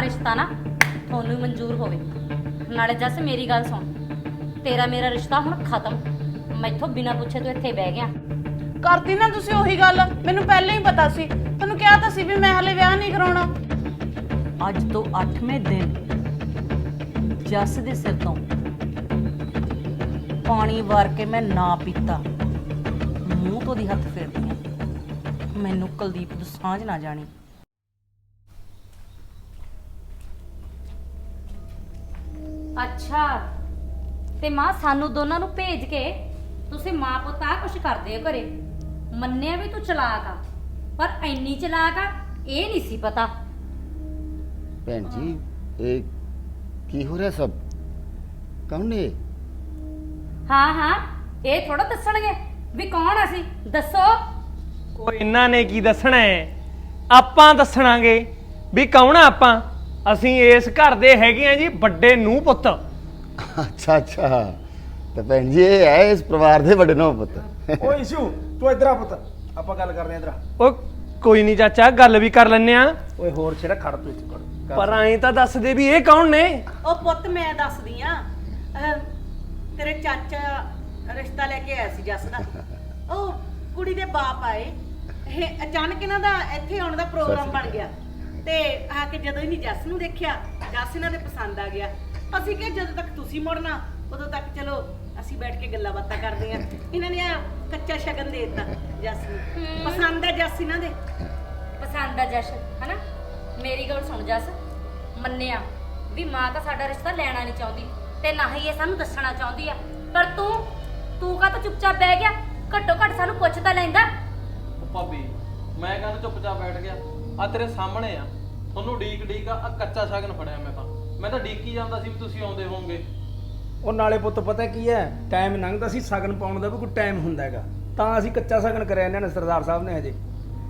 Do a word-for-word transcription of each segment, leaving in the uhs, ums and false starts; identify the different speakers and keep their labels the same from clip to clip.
Speaker 1: रिश्ता ना थोनू मंजूर होवे। नाले जस मेरी गल सुन, तेरा मेरा रिश्ता हुण खत्म। मैथों बिना पुछे तू इत्थे बह गया।
Speaker 2: करती ना तुसी ओही गल, मैनूं पहले ही पता सी। तैनूं किहा तां सी भी मैं हले विआह नहीं कराउणा।
Speaker 3: ਅੱਜ ਤੋਂ ਅੱਠਵੇਂ ਦਿਨ ਜੱਸ ਦੇ ਸਿਰ ਤੋਂ ਪਾਣੀ ਵਾਰ ਕੇ ਮੈਂ ਨਾ ਪੀਤਾ, ਮੂੰਹ ਤੋਂ ਦੀ ਹੱਥ ਫੇਰਦੀ ਹਾਂ। ਮੈਨੂੰ ਕੁਲਦੀਪ ਤੋਂ ਸਾਂਝ ਨਾ ਜਾਣੀ।
Speaker 1: अच्छा ते मां सानू दोनों नू भेज के तुसी मां पुत आ कुछ करदे हो घरे। मन्निया भी तू चलाक आ, पर इन्नी चलाक आ ये नहीं सी पता।
Speaker 4: ਭੈਣ ਜੀ ਇਹ ਕੀ ਹੋ ਰਿਹਾ ਸਭ? ਕੌਣ ਨੇ?
Speaker 1: हाँ हाँ ये थोड़ा दसणगे भी कौन असी, दसो।
Speaker 5: ਉਹ ਇਹਨਾਂ ਨੇ ਕੀ ਦੱਸਣਾ ਹੈ? ਆਪਾਂ ਦੱਸਣਾਗੇ ਵੀ ਕੌਣ ਆ ਆਪਾਂ। ਅਸੀਂ ਇਸ ਘਰ ਦੇ ਹੈਗੇ ਆ ਜੀ ਵੱਡੇ ਨੂੰਹ ਪੁੱਤ।
Speaker 4: ਅੱਛਾ ਅੱਛਾ, ਤੇ ਭੈਣ ਜੀ ਇਹ ਹੈ ਇਸ ਪਰਿਵਾਰ ਦੇ ਵੱਡੇ ਨੌ ਪੁੱਤ।
Speaker 6: ਓ ਇਸ਼ੂ ਤੂੰ ਇੱਧਰ ਆ ਪੁੱਤ, ਆਪਾਂ ਗੱਲ ਕਰਦੇ ਆ ਇੱਧਰ ਆ।
Speaker 5: ਉਹ ਕੋਈ ਨਹੀਂ ਚਾਚਾ, ਗੱਲ ਵੀ ਕਰ ਲੈਨੇ ਆ।
Speaker 6: ਓਏ ਹੋਰ ਛੇੜਾ ਖੜ ਤੂੰ ਇੱਥੇ ਕਰ।
Speaker 5: ਪਰ ਐਂ ਤਾਂ ਦੱਸ ਦੇ ਵੀ ਇਹ ਕੌਣ ਨੇ?
Speaker 3: ਉਹ ਪੁੱਤ ਮੈਂ ਦੱਸਦੀ ਆ, ਤੇਰੇ ਚਾਚਾ ਰਿਸ਼ਤਾ ਲੈ ਕੇ ਆਇਆ ਸੀ ਜੱਸ ਦਾ। ਉਹ ਕੁੜੀ ਦੇ ਬਾਪ ਆਏ, ਇਹ ਅਚਾਨਕ ਇਹਨਾਂ ਦਾ ਇੱਥੇ ਆਉਣ ਦਾ ਪ੍ਰੋਗਰਾਮ ਬਣ ਗਿਆ ਤੇ ਆ ਕੇ ਜਦੋਂ ਇਹਨੇ ਜੱਸ ਨੂੰ ਦੇਖਿਆ, ਜੱਸ ਇਹਨਾਂ ਦੇ ਪਸੰਦ ਆ ਗਿਆ। ਅਸੀਂ ਕਿਹਾ ਜਦੋਂ ਤੱਕ ਤੁਸੀਂ ਮੁੜਨਾ ਉਦੋਂ ਤੱਕ ਚਲੋ ਅਸੀਂ ਬੈਠ ਕੇ ਗੱਲਾਂ ਬਾਤਾਂ ਕਰਦੇ ਆ। ਇਹਨਾਂ ਨੇ ਆ ਕੱਚਾ ਸ਼ਗਨ ਦੇ ਦਿੱਤਾ ਜੱਸ ਨੂੰ। ਪਸੰਦ ਆ ਜੱਸ ਇਹਨਾਂ ਦੇ।
Speaker 1: पसंद आ जश है ना। मेरी गल सुन जस, मन्निया भी मां तो साडा रिश्ता लेना नहीं चाहती ते ना ही ये सानू दसना चाहती है, पर तू तू का तो चुपचाप बह गया। घट्टो घट सानू पुछ तां लैंदा।
Speaker 7: ਭਾਬੀ ਮੈਂ ਕਹਿੰਦਾ ਚੁੱਪਚਾਪ ਬੈਠ ਗਿਆ। ਆ ਤੇਰੇ ਸਾਹਮਣੇ ਆ, ਤੁਹਾਨੂੰ ਡੀਕ ਡੀਕ ਆ ਕੱਚਾ ਸ਼ਗਨ ਫੜਿਆ। ਮੈਂ ਤਾਂ ਮੈਂ ਤਾਂ ਡੀਕੀ ਜਾਂਦਾ ਸੀ ਵੀ ਤੁਸੀਂ ਆਉਂਦੇ ਹੋਵੋਗੇ।
Speaker 6: ਉਹ ਨਾਲੇ ਪੁੱਤ ਪਤਾ ਕੀ ਹੈ, ਟਾਈਮ ਲੰਘਦਾ ਸੀ, ਸ਼ਗਨ ਪਾਉਣ ਦਾ ਵੀ ਕੋਈ ਟਾਈਮ ਹੁੰਦਾ ਹੈਗਾ, ਤਾਂ ਅਸੀਂ ਕੱਚਾ ਸ਼ਗਨ ਕਰਿਆ ਇਹਨਾਂ ਨੇ ਸਰਦਾਰ ਸਾਹਿਬ ਨੇ ਹਜੇ।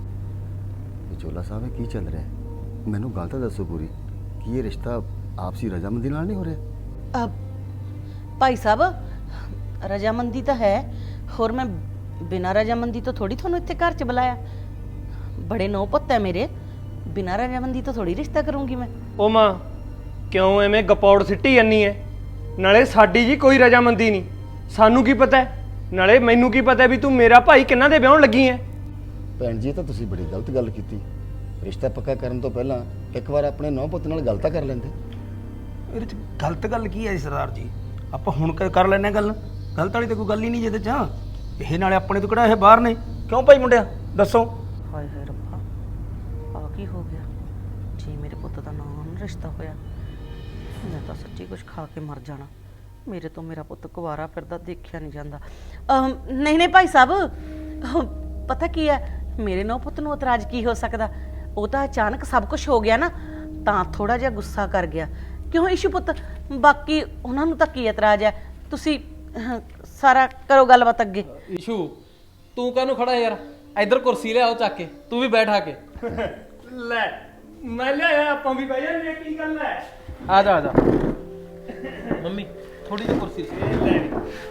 Speaker 4: ਵਿਚੋਲਾ ਸਾਹਿਬ ਇਹ ਕੀ ਚੱਲ ਰਿਹਾ ਹੈ? ਮੈਨੂੰ ਗੱਲ ਤਾਂ ਦੱਸੋ ਪੂਰੀ, ਕੀ ਇਹ ਰਿਸ਼ਤਾ ਆਪਸੀ ਰਜ਼ਾਮੰਦੀ ਨਾਲ ਨਹੀਂ ਹੋ ਰਿਹਾ?
Speaker 3: ਭਾਈ ਸਾਹਿਬ ਰਜਾਮੰਦੀ ਤਾਂ ਹੈ, ਹੋਰ ਮੈਂ ਬਿਨਾਂ ਰਜਾਮੰਦੀ ਤੋਂ ਥੋੜੀ ਤੁਹਾਨੂੰ ਇੱਥੇ ਘਰ 'ਚ ਬੁਲਾਇਆ। ਬੜੇ ਨੌ ਪੁੱਤ ਹੈ ਮੇਰੇ, ਬਿਨਾਂ ਰਜਾਮੰਦੀ ਤੋਂ ਥੋੜੀ ਰਿਸ਼ਤਾ ਕਰੂੰਗੀ ਮੈਂ।
Speaker 5: ਉਹ ਮਾਂ ਕਿਉਂ ਐਵੇਂ ਗਪੌੜ ਸਿੱਟੀ ਜਾਨੀ ਐ? ਨਾਲੇ ਸਾਡੀ ਜੀ ਕੋਈ ਰਜਾਮੰਦੀ ਨਹੀਂ, ਸਾਨੂੰ ਕੀ ਪਤਾ? ਨਾਲੇ ਮੈਨੂੰ ਕੀ ਪਤਾ ਵੀ ਤੂੰ ਮੇਰਾ ਭਾਈ ਕਿੰਨਾਂ ਦੇ ਵਿਆਹਣ ਲੱਗੀ ਐ?
Speaker 4: ਭੈਣ ਜੀ ਇਹ ਤਾਂ ਤੁਸੀਂ ਬੜੀ ਗਲਤ ਗੱਲ ਕੀਤੀ। ਰਿਸ਼ਤਾ ਪੱਕਾ ਕਰਨ ਤੋਂ ਪਹਿਲਾਂ ਇੱਕ ਵਾਰ ਆਪਣੇ ਨੌ ਪੁੱਤ ਨਾਲ ਗੱਲ ਤਾਂ ਕਰ ਲੈਂਦੇ।
Speaker 6: ਇਹਦੇ ਚ ਗਲਤ ਗੱਲ ਕੀ ਹੈ ਜੀ ਸਰਦਾਰ ਜੀ? ਆਪਾਂ ਹੁਣ ਕ- ਕਰ ਲੈਨੇ ਗੱਲ, ਗਲਤ ਵਾਲੀ ਤਾਂ ਕੋਈ ਗੱਲ ਹੀ ਨਹੀਂ ਜਿਹਦੇ ਚ। ਇਹ ਨਾਲੇ ਆਪਣੇ ਤੋਂ ਕਿਹੜਾ ਇਹ ਬਾਹਰ ਨੇ? ਕਿਉਂ ਭਾਈ ਮੁੰਡਿਆ ਦੱਸੋ।
Speaker 3: ਹਾਏ ਹਾਏ ਰੱਬਾ, ਆ ਕੀ ਹੋ ਗਿਆ? ਜੇ ਮੇਰੇ ਪੁੱਤ ਦਾ ਨਾਮ ਰਿਸ਼ਤਾ ਹੋਇਆ, ਮੈਂ ਤਾਂ ਸੱਚੀ ਕੁਝ ਖਾ ਕੇ ਮਰ ਜਾਣਾ। ਮੇਰੇ ਤੋਂ ਮੇਰਾ ਪੁੱਤ ਕੁਵਾਰਾ ਫਿਰਦਾ ਦੇਖਿਆ ਨਹੀਂ ਜਾਂਦਾ। ਅਮ, ਨਹੀਂ ਨਹੀਂ ਭਾਈ ਸਾਹਿਬ, ਅਹ, ਪਤਾ ਕੀ ਹੈ, ਮੇਰੇ ਨੌ ਪੁੱਤ ਨੂੰ ਇਤਰਾਜ਼ ਕੀ ਹੋ ਸਕਦਾ? ਉਹ ਤਾਂ ਅਚਾਨਕ ਸਭ ਕੁਝ ਹੋ ਗਿਆ ਨਾ, ਤਾਂ ਥੋੜਾ ਜਿਹਾ ਗੁੱਸਾ ਕਰ ਗਿਆ। ਕਿਉਂ ਇਸ਼ੂ ਪੁੱਤ, ਬਾਕੀ ਉਹਨਾਂ ਨੂੰ ਤਾਂ ਕੀ ਇਤਰਾਜ਼ ਹੈ? ਤੁਸੀਂ ਅਹ, ਸਾਰਾ ਕਰੋ ਗੱਲਬਾਤ ਅੱਗੇ।
Speaker 7: ਇਸ਼ੂ ਤੂੰ ਕਾਹਨੂੰ ਖੜਾ ਯਾਰ? ਇੱਧਰ ਕੁਰਸੀ ਲਿਆਓ ਚੱਕ ਕੇ, ਤੂੰ ਵੀ ਬੈਠ ਆ ਕੇ।
Speaker 5: ਲੈ ਮੈਂ ਲਿਆਇਆ, ਆਪਾਂ ਵੀ ਬਹਿ ਜਾਂਦੇ। ਕੀ ਗੱਲ ਐ?
Speaker 7: ਆ ਜਾ ਆ ਜਾ ਮੰਮੀ, ਥੋੜੀ ਜਿਹੀ ਕੁਰਸੀ ਸੀ।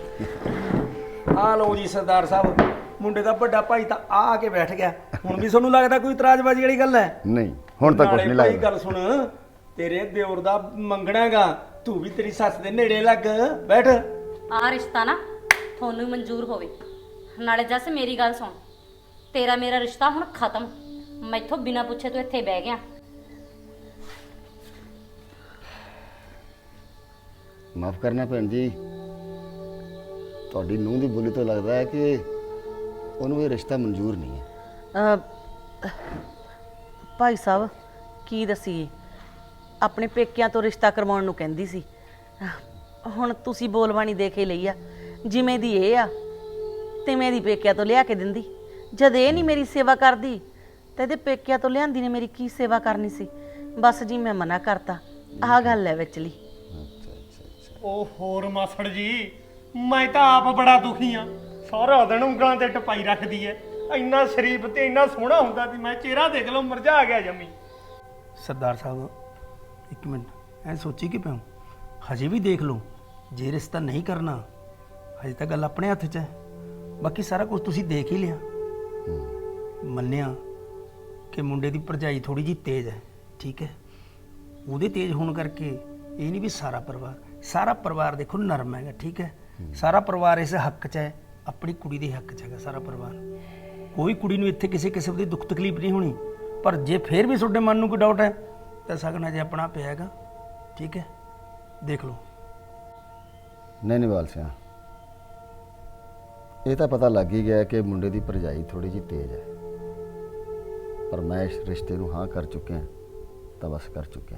Speaker 6: ਆ ਲਓ ਜੀ ਸਰਦਾਰ ਸਾਹਿਬ, ਮੁੰਡੇ ਦਾ ਵੱਡਾ ਭਾਈ ਤਾਂ ਆ ਆ ਕੇ ਬੈਠ ਗਿਆ। ਹੁਣ ਵੀ ਤੁਹਾਨੂੰ ਲੱਗਦਾ ਕੋਈ ਇਤਰਾਜ਼ਬਾਜ਼ੀ ਵਾਲੀ ਗੱਲ ਹੈ?
Speaker 4: ਨਹੀਂ ਹੁਣ ਤਾਂ ਕੁਝ
Speaker 6: ਨਾਲੇ
Speaker 4: ਨਹੀਂ
Speaker 6: ਭਾਈ
Speaker 4: ਲੱਗਦਾ।
Speaker 6: ਗੱਲ ਸੁਣ, ਤੇਰੇ ਦਿਓਰ ਦਾ ਮੰਗਣਾ ਹੈਗਾ, ਤੂੰ ਵੀ ਤੇਰੀ ਸੱਸ ਦੇ ਨੇੜੇ ਲੱਗ ਬੈਠ।
Speaker 1: आ रिश्ता ना थोनू मंजूर होवे। नाले जस मेरी गल सुन, तेरा मेरा रिश्ता हुण खत्म। मैथों बिना पुछे तू इत्थे बह गया।
Speaker 4: ਮਾਫ ਕਰਨਾ ਭੈਣ ਜੀ, ਤੁਹਾਡੀ ਨੂੰਹ ਦੀ ਬੋਲੀ ਤੋਂ ਲੱਗਦਾ ਹੈ ਕਿ ਉਹਨੂੰ ਇਹ ਰਿਸ਼ਤਾ ਮਨਜ਼ੂਰ ਨਹੀਂ ਹੈ।
Speaker 3: ਅਹ, ਭਾਈ ਸਾਹਿਬ ਕੀ ਦਸੀਏ, ਆਪਣੇ ਪੇਕਿਆਂ ਤੋਂ ਰਿਸ਼ਤਾ ਕਰਵਾਉਣ ਨੂੰ ਕਹਿੰਦੀ ਸੀ। ਹੁਣ ਤੁਸੀਂ ਬੋਲਬਾਣੀ ਦੇ ਕੇ ਲਈ ਆ, ਜਿਵੇਂ ਦੀ ਇਹ ਆ ਤਿਵੇਂ ਦੀ ਪੇਕਿਆਂ ਤੋਂ ਲਿਆ ਕੇ ਦਿੰਦੀ। ਜਦ ਇਹ ਨਹੀਂ ਮੇਰੀ ਸੇਵਾ ਕਰਦੀ ਤਾਂ ਇਹਦੇ ਪੇਕਿਆਂ ਤੋਂ ਲਿਆਂਦੀ ਨੇ ਮੇਰੀ ਕੀ ਸੇਵਾ ਕਰਨੀ ਸੀ? ਬਸ ਜੀ ਮੈਂ ਮਨਾ ਕਰਤਾ, ਆਹ ਗੱਲ ਹੈ ਵਿਚਲੀ।
Speaker 5: ਉਹ ਹੋਰ ਮਾਸੜ ਜੀ, ਮੈਂ ਤਾਂ ਆਪ ਬੜਾ ਦੁਖੀ ਆ। ਸਾਰਾ ਦਿਨ ਉਂਗਲਾਂ ਤੇ ਟਪਾਈ ਰੱਖਦੀ ਐ। ਇੰਨਾ ਸ਼ਰੀਫ ਤੇ ਇੰਨਾ ਸੋਹਣਾ ਹੁੰਦਾ ਸੀ, ਮੈਂ ਚਿਹਰਾ ਦੇਖ ਲਓ ਮੁਰਝਾ ਗਿਆ ਜੰਮੀ।
Speaker 6: ਸਰਦਾਰ ਸਾਹਿਬ ਇੱਕ ਮਿੰਟ, ਐ ਸੋਚੀ ਕਿ ਪਿਓ ਹਜੇ ਵੀ ਦੇਖ ਲਓ, ਜੇ ਰਿਸ਼ਤਾ ਨਹੀਂ ਕਰਨਾ ਹਜੇ ਤਾਂ ਗੱਲ ਆਪਣੇ ਹੱਥ 'ਚ ਹੈ। ਬਾਕੀ ਸਾਰਾ ਕੁਝ ਤੁਸੀਂ ਦੇਖ ਹੀ ਲਿਆ। ਮੰਨਿਆ ਕਿ ਮੁੰਡੇ ਦੀ ਭਰਜਾਈ ਥੋੜੀ ਜਿਹੀ ਤੇਜ਼ ਹੈ, ਠੀਕ ਹੈ, ਉਹਦੇ ਤੇਜ਼ ਹੋਣ ਕਰਕੇ ਇਹ ਨਹੀਂ ਵੀ ਸਾਰਾ ਪਰਿਵਾਰ ਸਾਰਾ ਪਰਿਵਾਰ ਦੇਖੋ ਨਰਮ ਹੈਗਾ, ਠੀਕ ਹੈ। ਸਾਰਾ ਪਰਿਵਾਰ ਇਸ ਹੱਕ 'ਚ ਹੈ, ਆਪਣੀ ਕੁੜੀ ਦੇ ਹੱਕ 'ਚ ਹੈਗਾ ਸਾਰਾ ਪਰਿਵਾਰ। ਕੋਈ ਕੁੜੀ ਨੂੰ ਇੱਥੇ ਕਿਸੇ ਕਿਸਮ ਦੀ ਦੁੱਖ ਤਕਲੀਫ ਨਹੀਂ ਹੋਣੀ। ਪਰ ਜੇ ਫੇਰ ਵੀ ਤੁਹਾਡੇ ਮਨ ਨੂੰ ਕੋਈ ਡਾਊਟ ਹੈ ਤਾਂ ਸਗਨ ਅਜੇ ਆਪਣਾ ਪਿਆ ਹੈਗਾ, ਠੀਕ ਹੈ, ਦੇਖ ਲਓ।
Speaker 4: ਨਹੀਂ ਨਹੀਂ ਬਾਲ ਸਿਆ, ਇਹ ਤਾਂ ਪਤਾ ਲੱਗ ਹੀ ਗਿਆ ਕਿ ਮੁੰਡੇ ਦੀ ਭਰਜਾਈ ਥੋੜੀ ਜਿਹੀ ਤੇਜ਼ ਹੈ, ਪਰ ਮੈਂ ਇਸ ਰਿਸ਼ਤੇ ਨੂੰ ਹਾਂ ਕਰ ਚੁੱਕਿਆ ਤਾਂ ਬਸ ਕਰ ਚੁੱਕਿਆ।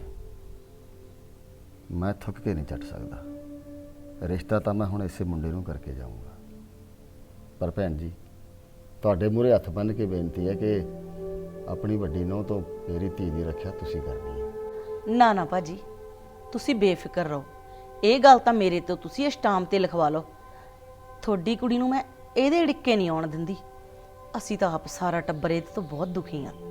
Speaker 4: ਮੈਂ ਥੁੱਕ ਕੇ ਨਹੀਂ ਛੱਡ ਸਕਦਾ। ਰਿਸ਼ਤਾ ਤਾਂ ਮੈਂ ਹੁਣ ਇਸੇ ਮੁੰਡੇ ਨੂੰ ਕਰਕੇ ਜਾਊਂਗਾ। ਪਰ ਭੈਣ ਜੀ, ਤੁਹਾਡੇ ਮੂਹਰੇ ਹੱਥ ਬੰਨ੍ਹ ਕੇ ਬੇਨਤੀ ਹੈ ਕਿ ਆਪਣੀ ਵੱਡੀ ਨੂੰਹ ਤੋਂ ਮੇਰੀ ਧੀ ਦੀ ਰੱਖਿਆ ਤੁਸੀਂ ਕਰਨੀ ਹੈ।
Speaker 3: ਨਾ ਨਾ ਭਾਜੀ, ਤੁਸੀਂ ਬੇਫਿਕਰ ਰਹੋ। ਇਹ ਗੱਲ ਤਾਂ ਮੇਰੇ ਤੋਂ ਤੁਸੀਂ ਸਟਾਂਪ ਤੇ ਲਿਖਵਾ ਲਓ। ਤੁਹਾਡੀ ਕੁੜੀ ਨੂੰ ਮੈਂ ਇਹਦੇ ਢਿੱਕੇ ਨਹੀਂ ਆਉਣ ਦਿੰਦੀ। ਅਸੀਂ ਤਾਂ ਆਪ ਸਾਰਾ ਟੱਬਰ ਇਹਦੇ ਤੋਂ ਬਹੁਤ ਦੁਖੀ ਹਾਂ।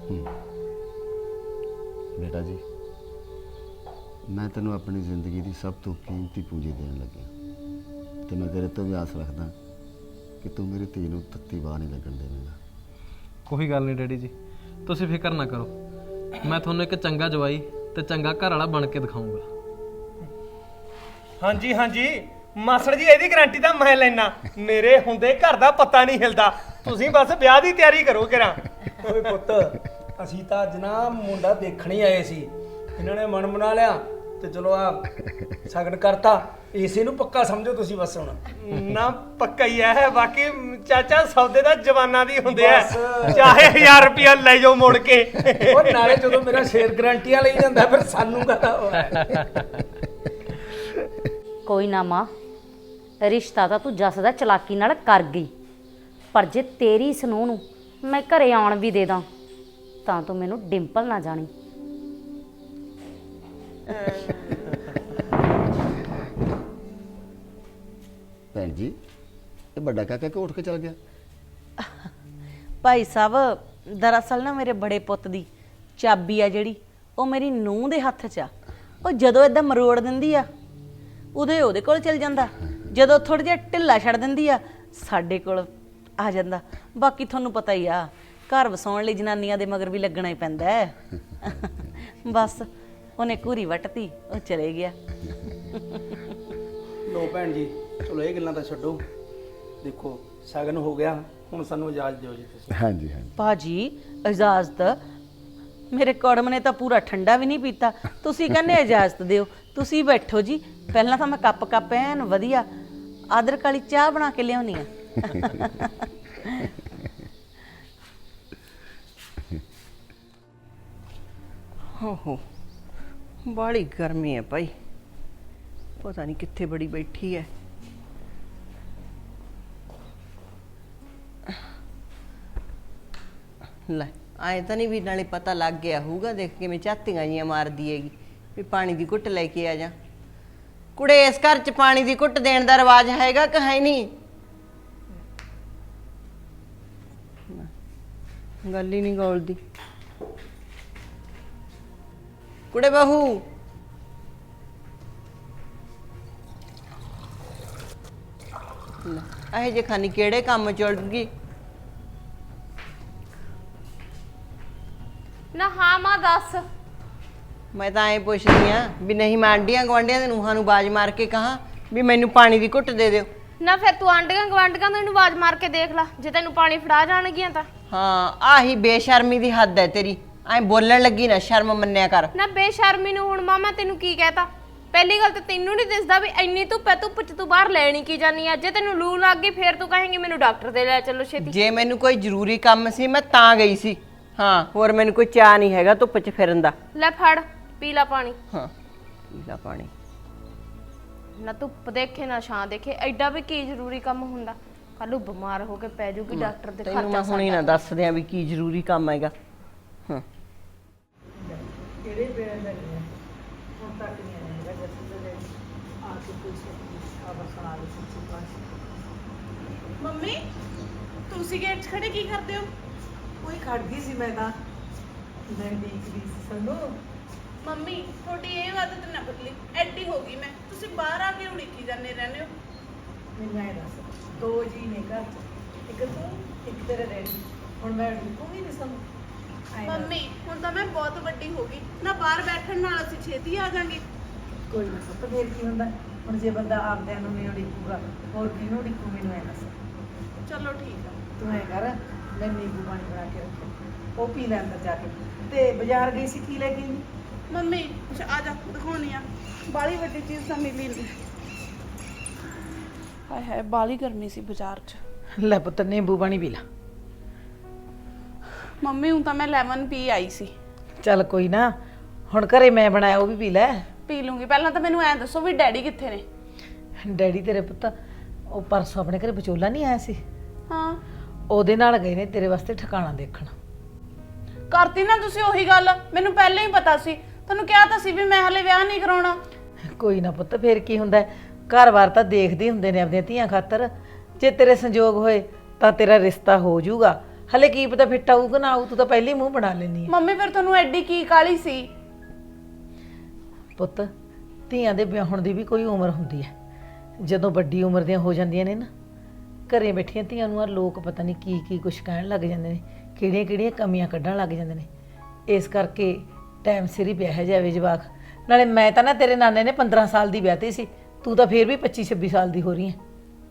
Speaker 4: ਬੇਟਾ ਜੀ, ਮੈਂ ਤੈਨੂੰ ਆਪਣੀ ਜ਼ਿੰਦਗੀ ਦੀ ਸਭ ਤੋਂ ਕੀਮਤੀ ਪੂੰਜੀ ਦੇਣ ਲੱਗਿਆ ਤੇ ਮੈਂ ਤੇਰੇ ਤੋਂ ਵੀ ਆਸ ਰੱਖਦਾ ਕਿ ਤੂੰ ਮੇਰੀ ਧੀ ਨੂੰ ਤੱਤੀ ਬਾਹ ਨਹੀਂ ਲੱਗਣ ਦੇਵੇਂਗਾ।
Speaker 7: ਕੋਈ ਗੱਲ ਨਹੀਂ ਡੈਡੀ ਜੀ, ਤੁਸੀਂ ਫਿਕਰ ਨਾ ਕਰੋ। ਮੈਂ ਤੁਹਾਨੂੰ ਇੱਕ ਚੰਗਾ ਜਵਾਈ ਤੇ ਚੰਗਾ ਘਰ ਵਾਲਾ ਬਣ ਕੇ ਦਿਖਾਊਂਗਾ।
Speaker 5: ਹਾਂਜੀ ਹਾਂਜੀ ਮਾਸੜ ਜੀ, ਇਹਦੀ ਗਾਰੰਟੀ ਤਾਂ ਮੈਂ ਲੈਣਾ। ਮੇਰੇ ਹੁੰਦੇ ਘਰ ਦਾ ਪਤਾ ਨਹੀਂ ਹਿਲਦਾ। ਤੁਸੀਂ ਬਸ ਵਿਆਹ ਦੀ ਤਿਆਰੀ ਕਰੋ ਕਿਰਾ।
Speaker 6: ਓਏ ਪੁੱਤ, ਅਸੀਂ ਤਾਂ ਅੱਜ ਨਾ ਮੁੰਡਾ ਦੇਖਣ ਹੀ ਆਏ ਸੀ। ਇਹਨਾਂ ਨੇ ਮਨ ਬਣਾ ਲਿਆ ਤੇ ਚਲੋ ਆ ਸਗਨ ਕਰਤਾ। ਇਸੇ ਨੂੰ ਪੱਕਾ ਸਮਝੋ ਤੁਸੀਂ ਬਸ ਹੁਣ।
Speaker 5: ਨਾ ਪੱਕਾ ਹੀ ਹੈ। ਬਾਕੀ ਚਾਚਾ ਸੌਦੇ ਦਾ ਜਵਾਨਾਂ ਦੀ ਹੁੰਦੇ ਆ, ਚਾਹੇ ਹਜ਼ਾਰ ਰੁਪਇਆ ਲੈ ਜਾਓ ਮੁੜ ਕੇ।
Speaker 6: ਉਹ ਨਾਲੇ ਜਦੋਂ ਮੇਰਾ ਸ਼ੇਰ ਗਰੰਟੀਆਂ ਲਈ ਜਾਂਦਾ ਫਿਰ ਸਾਨੂੰ ਕਹਦਾ।
Speaker 1: ਕੋਈ ਨਾ ਮਾਂ, ਰਿਸ਼ਤਾ ਤਾਂ ਤੂੰ ਜੱਸ ਦਾ ਚਲਾਕੀ ਨਾਲ ਕਰ ਗਈ, ਪਰ ਜੇ ਤੇਰੀ ਸਨੂੰਹ ਨੂੰ ਮੈਂ ਘਰੇ ਆਉਣ ਵੀ ਦੇ ਦਾਂ ਤਾਂ ਤੂੰ ਮੈਨੂੰ ਡਿੰਪਲ ਨਾ ਜਾਣੀ।
Speaker 4: ਭੈਣ ਜੀ, ਇਹ ਵੱਡਾ ਕਾਕਾ ਕਿਉਂ ਉੱਠ ਕੇ ਚਲ ਗਿਆ?
Speaker 3: ਭਾਈ ਸਾਹਿਬ, ਦਰਅਸਲ ਨਾ ਮੇਰੇ ਬੜੇ ਪੁੱਤ ਦੀ ਚਾਬੀ ਆ ਜਿਹੜੀ, ਉਹ ਮੇਰੀ ਨੂੰਹ ਦੇ ਹੱਥ 'ਚ ਆ। ਉਹ ਜਦੋਂ ਇਦਾਂ ਮਰੋੜ ਦਿੰਦੀ ਆ ਉਦੋਂ ਉਹਦੇ ਕੋਲ ਚਲ ਜਾਂਦਾ, ਜਦੋਂ ਥੋੜਾ ਜਿਹਾ ਢਿੱਲਾ ਛੱਡ ਦਿੰਦੀ ਆ ਸਾਡੇ ਕੋਲ ਆ ਜਾਂਦਾ। ਬਾਕੀ ਤੁਹਾਨੂੰ ਪਤਾ ਹੀ ਆ, ਘਰ ਵਸਾਉਣ ਲਈ ਜਨਾਨੀਆਂ ਦੇ ਮਗਰ ਵੀ ਲੱਗਣਾ ਹੀ ਪੈਂਦਾ ਹੈ। ਬਸ ਉਹਨੇ ਘੂਰੀ ਵੱਟਤੀ, ਉਹ ਚਲੇ ਗਿਆ।
Speaker 6: ਲੋ ਭੈਣ ਜੀ, ਚਲੋ ਇਹ ਗੱਲਾਂ ਤਾਂ ਛੱਡੋ। ਦੇਖੋ ਸਗਨ ਹੋ ਗਿਆ, ਹੁਣ ਸਾਨੂੰ ਇਜਾਜ਼ਤ ਦਿਓ ਜੀ ਤੁਸੀਂ।
Speaker 4: ਹਾਂਜੀ ਹਾਂਜੀ
Speaker 3: ਭਾਜੀ ਇਜਾਜ਼ਤ? ਮੇਰੇ ਕੜਮ ਨੇ ਤਾਂ ਪੂਰਾ ਠੰਡਾ ਵੀ ਨਹੀਂ ਪੀਤਾ, ਤੁਸੀਂ ਕਹਿੰਦੇ ਇਜਾਜ਼ਤ ਦਿਓ। ਤੁਸੀਂ ਬੈਠੋ ਜੀ, ਪਹਿਲਾਂ ਤਾਂ ਮੈਂ ਕੱਪ ਕੱਪ ਐਨ ਵਧੀਆ ਅਦਰਕ ਵਾਲੀ ਚਾਹ ਬਣਾ ਕੇ ਲਿਆਉਣੀ ਆ। ਹੋ ਹੋ, ਬਾਹਲੀ ਗਰਮੀ ਹੈ ਭਾਈ, ਪਤਾ ਨਹੀਂ ਕਿੱਥੇ ਬੜੀ ਬੈਠੀ ਹੈ। ਲੈ ਆਏ ਤਾਂ ਨਹੀਂ ਵੀ ਨਾਲੇ ਪਤਾ ਲੱਗ ਗਿਆ ਹੋਊਗਾ, ਦੇਖ ਕਿਵੇਂ ਝਾਤੀਆਂ ਜੀਆਂ ਮਾਰਦੀ ਹੈਗੀ ਵੀ ਪਾਣੀ ਦੀ ਘੁੱਟ ਲੈ ਕੇ ਆ ਜਾ। ਕੁੜੇ, ਇਸ ਘਰ 'ਚ ਪਾਣੀ ਦੀ ਘੁੱਟ ਦੇਣ ਦਾ ਰਿਵਾਜ ਹੈਗਾ ਕਿ ਹੈ ਨਹੀਂ? ਗੱਲ ਹੀ ਨਹੀਂ ਗੋਲਦੀ। ਕੁੜੇ ਬਹੂ, ਇਹ ਜੇ ਖਾਨੀ ਕਿਹੜੇ ਕੰਮ ਚੜ ਗਈ?
Speaker 2: ਨਾ ਹਾਂ ਮਾਂ ਦੱਸ।
Speaker 3: ਮੈਂ ਤਾਂ ਐਂ ਪੁੱਛਦੀ ਆ ਵੀ ਨਹੀਂ ਮੈਂ ਆਂਡੀਆਂ ਗਵਾਂਡੀਆਂ ਦੇ ਨੂੰਹਾਂ ਨੂੰ ਬਾਜ ਮਾਰ ਕੇ ਕਹਾਂ ਵੀ ਮੈਨੂੰ ਪਾਣੀ ਦੀ ਘੁੱਟ ਦੇ ਦਿਓ।
Speaker 2: ਨਾ ਫਿਰ ਤੂੰ ਆਂਡੀਆਂ ਗਵਾਂਡੀਆਂ ਨੂੰ ਇਹਨੂੰ ਆਵਾਜ਼ ਮਾਰ ਕੇ ਦੇਖ ਲੈ, ਜੇ ਤੈਨੂੰ ਪਾਣੀ ਫੜਾ ਜਾਣਗੀਆਂ ਤਾਂ।
Speaker 3: ਹਾਂ, ਆਹੀ ਬੇਸ਼ਰਮੀ ਦੀ ਹੱਦ ਹੈ ਤੇਰੀ। ਐਂ ਬੋਲਣ ਲੱਗੀ ਨਾ ਸ਼ਰਮ ਮੰਨਿਆ ਕਰ।
Speaker 2: ਨਾ ਬੇਸ਼ਰਮੀ ਨੂੰ ਹੁਣ ਮਾਮਾ ਤੈਨੂੰ ਕੀ ਕਹਿਤਾ? ਪਹਿਲੀ ਗੱਲ ਤਾਂ ਤੈਨੂੰ ਨਹੀਂ ਦਿਸਦਾ ਵੀ ਇੰਨੀ ਧੁੱਪ ਹੈ, ਧੁੱਪ 'ਚ ਤੂੰ ਬਾਹਰ ਲੈਣੀ ਕੀ ਜਾਨੀ ਆ? ਜੇ ਤੈਨੂੰ ਲੂ ਲੱਗ ਗਈ ਫੇਰ ਤੂੰ ਕਹੇਂਗੀ ਮੈਨੂੰ ਡਾਕਟਰ ਦੇ ਲੈ ਚੱਲੋ ਛੇਤੀ।
Speaker 3: ਜੇ ਮੈਨੂੰ ਕੋਈ ਜ਼ਰੂਰੀ ਕੰਮ ਸੀ ਮੈਂ ਤਾਂ ਗਈ ਸੀ। ਹਾਂ, ਹੋਰ ਮੈਨੂੰ ਕੋਈ ਚਾਹ ਨਹੀਂ ਹੈਗਾ ਧੁੱਪ 'ਚ ਫਿਰਨ ਦਾ।
Speaker 2: ਲੈ ਫੜ ਪੀ ਲੈ ਪਾਣੀ।
Speaker 3: ਹਾਂ, ਪੀ ਲੈ ਪਾਣੀ।
Speaker 2: ਨਾ ਧੁੱਪ ਦੇਖੇ ਨਾ ਛਾਂ ਦੇਖੇ, ਐਡਾ ਵੀ ਕੀ ਜ਼ਰੂਰੀ ਕੰਮ ਹੁੰਦਾ? ਕੱਲ ਨੂੰ ਬਿਮਾਰ ਹੋ ਕੇ ਪੈ ਜੂਗੀ ਡਾਕਟਰ ਦੇ
Speaker 3: ਤੈਨੂੰ
Speaker 2: ਖਰਚਾ
Speaker 3: ਮੈਂ ਹੁਣੇ ਨਾ ਦੱਸ ਦਿਆਂ ਵੀ ਕੀ ਜ਼ਰੂਰੀ ਕੰਮ ਹੈਗਾ। ਹਾਂ,
Speaker 8: ਕਿਹੜੇ ਵੇਲੇ ਦਾ ਨਹੀਂ ਹੁਣ ਤੱਕ ਨਹੀਂ ਆਇਆ ਹੈਗਾ। ਜੱਸੀ ਦੇ ਆ ਕੇ ਕੋਈ ਖਬਰ ਸੁਣਾ ਦੇ ਸੱਚੀ ਪਾਸ।
Speaker 2: ਮੰਮੀ ਤੁਸੀਂ ਗੇਟ 'ਚ ਖੜੇ ਕੀ ਕਰਦੇ ਹੋ?
Speaker 8: ਕੋਈ ਖੜ ਗਈ ਸੀ ਮੈਂ ਤਾਂ ਮੈਂ ਦੇਖਦੀ ਸੀ ਸਾਨੂੰ।
Speaker 2: ਮੰਮੀ ਤੁਹਾਡੀ ਇਹ ਆਦਤ ਨਾ ਬਦਲੀ, ਐਡੀ ਹੋ ਗਈ ਮੈਂ। ਤੁਸੀਂ ਬਾਹਰ ਆ ਕੇ ਉਡੀਕੀ ਜਾਂਦੇ ਰਹਿੰਦੇ ਹੋ।
Speaker 8: ਮੈਨੂੰ ਐ ਦੱਸ, ਦੋ ਜੀ ਨੇ ਘਰ 'ਚ, ਇੱਕ ਤੂੰ ਇੱਕ ਤੇਰੇ ਡੈਡੀ, ਹੁਣ ਮੈਂ ਢੁਕੂਗੀ ਨਹੀਂ ਸਾਨੂੰ?
Speaker 9: ਮੰਮੀ ਹੁਣ ਤਾਂ ਮੈਂ ਬਹੁਤ ਵੱਡੀ ਹੋ ਗਈ ਨਾ, ਬਾਹਰ ਬੈਠਣ ਨਾਲ ਅਸੀਂ ਛੇਤੀ ਆ ਜਾਾਂਗੇ।
Speaker 8: ਕੋਈ ਨਾ ਪੁੱਤ, ਫੇਰ ਕੀ ਹੁੰਦਾ, ਹੁਣ ਜੇ ਬੰਦਾ ਆਪਦਿਆਂ ਨੂੰ ਨਹੀਂ ਉਡੀਕੂਗਾ ਹੋਰ ਕਿਹਨੂੰ ਉਡੀਕੂ, ਮੈਨੂੰ ਐ ਦੱਸ।
Speaker 9: ਚਲੋ ਠੀਕ ਆ।
Speaker 8: ਤੂੰ ਐ ਕਰ, ਮੈਂ ਨਿੰਬੂ ਪਾਣੀ ਬਣਾ ਕੇ ਰੱਖਿਆ, ਉਹ ਪੀ ਲੈ ਅੰਦਰ ਜਾ ਕੇ। ਤੇ ਬਾਜ਼ਾਰ ਗਈ ਸੀ, ਕੀ ਲੈ ਕੇ ਆਈ?
Speaker 9: ਮੰਮੀ ਅੱਛਾ ਆ ਜਾ ਦਿਖਾਉਣੀ ਆ, ਬਾਲੀ ਵੱਡੀ ਚੀਜ਼ ਤਾਂ ਮਿਲੀ ਨਹੀਂ। ਹਾਏ ਹਾਏ ਬਾਲੀ ਗਰਮੀ ਸੀ ਬਾਜ਼ਾਰ 'ਚ।
Speaker 8: ਲੈ ਪੁੱਤ ਨਿੰਬੂ ਪਾਣੀ ਪੀ ਲੈ।
Speaker 9: ਮੰਮੀ ਹੁਣ ਤਾਂ ਮੈਂ ਲੈਮਨ ਪੀ ਆਈ ਸੀ।
Speaker 8: ਚੱਲ ਕੋਈ ਨਾ, ਹੁਣ ਘਰੇ ਮੈਂ ਬਣਾਇਆ, ਉਹ ਵੀ ਪੀ ਲੈ।
Speaker 9: ਪੀ ਲੂੰਗੀ, ਪਹਿਲਾਂ ਤਾਂ ਮੈਨੂੰ ਐਂ ਦੱਸੋ ਵੀ ਡੈਡੀ ਕਿੱਥੇ ਨੇ?
Speaker 8: ਡੈਡੀ ਤੇਰੇ ਪੁੱਤ ਉਹ ਪਰਸੋਂ ਆਪਣੇ ਘਰੇ ਵਿਚੋਲਾ ਨਹੀਂ ਆਇਆ ਸੀ,
Speaker 9: ਹਾਂ
Speaker 8: ਉਹਦੇ ਨਾਲ ਗਏ ਨੇ ਤੇਰੇ ਵਾਸਤੇ ਠਿਕਾਣਾ ਦੇਖਣ।
Speaker 9: ਕਰਤੀ ਨਾ ਤੁਸੀਂ ਉਹੀ ਗੱਲ, ਮੈਨੂੰ ਪਹਿਲਾਂ ਹੀ ਪਤਾ ਸੀ। ਤੁਹਾਨੂੰ ਕਿਹਾ ਤਾਂ ਸੀ ਵੀ ਮੈਂ ਹਲੇ ਵਿਆਹ ਨਹੀਂ ਕਰਾਉਣਾ।
Speaker 8: ਕੋਈ ਨਾ ਪੁੱਤ, ਫੇਰ ਕੀ ਹੁੰਦਾ, ਘਰ-ਬਾਰ ਤਾਂ ਦੇਖਦੇ ਹੁੰਦੇ ਨੇ ਆਪਣੀਆਂ ਧੀਆਂ ਖਾਤਰ। ਜੇ ਤੇਰੇ ਸੰਜੋਗ ਹੋਏ ਤਾਂ ਤੇਰਾ ਰਿਸ਼ਤਾ ਹੋ ਜਾਊਗਾ, ਹਲੇ ਕੀ ਪਤਾ ਫਿੱਟ ਆਊਗਾ ਨਾ ਆਊ, ਤੂੰ ਤਾਂ ਪਹਿਲੇ ਮੂੰਹ ਬਣਾ ਲੈਣੀ ਹੈ।
Speaker 9: ਮੰਮੀ ਫਿਰ ਤੁਹਾਨੂੰ ਐਡੀ ਕੀ ਕਾਲੀ ਸੀ?
Speaker 8: ਪੁੱਤ ਧੀਆਂ ਦੇ ਵਿਆਹਣ ਦੀ ਵੀ ਕੋਈ ਉਮਰ ਹੁੰਦੀ ਹੈ, ਜਦੋਂ ਵੱਡੀ ਉਮਰ ਦੀਆਂ ਹੋ ਜਾਂਦੀਆਂ ਨੇ ਨਾ, ਘਰੇ ਬੈਠੀਆਂ ਧੀਆਂ ਨੂੰ ਆ ਲੋਕ ਪਤਾ ਨਹੀਂ ਕੀ ਕੀ ਕੁਛ ਕਹਿਣ ਲੱਗ ਜਾਂਦੇ ਨੇ, ਕਿਹੜੀਆਂ ਕਿਹੜੀਆਂ ਕਮੀਆਂ ਕੱਢਣ ਲੱਗ ਜਾਂਦੇ ਨੇ। ਇਸ ਕਰਕੇ ਟਾਈਮ ਸਿਰ ਹੀ ਵਿਆਹਿਆ ਜਾਵੇ ਜਵਾਕ। ਨਾਲੇ ਮੈਂ ਤਾਂ ਨਾ ਤੇਰੇ ਨਾਨੇ ਨੇ ਪੰਦਰਾਂ ਸਾਲ ਦੀ ਵਿਆਹਤੀ ਸੀ, ਤੂੰ ਤਾਂ ਫੇਰ ਵੀ ਪੱਚੀ ਛੱਬੀ ਸਾਲ ਦੀ ਹੋ ਰਹੀ ਹੈ।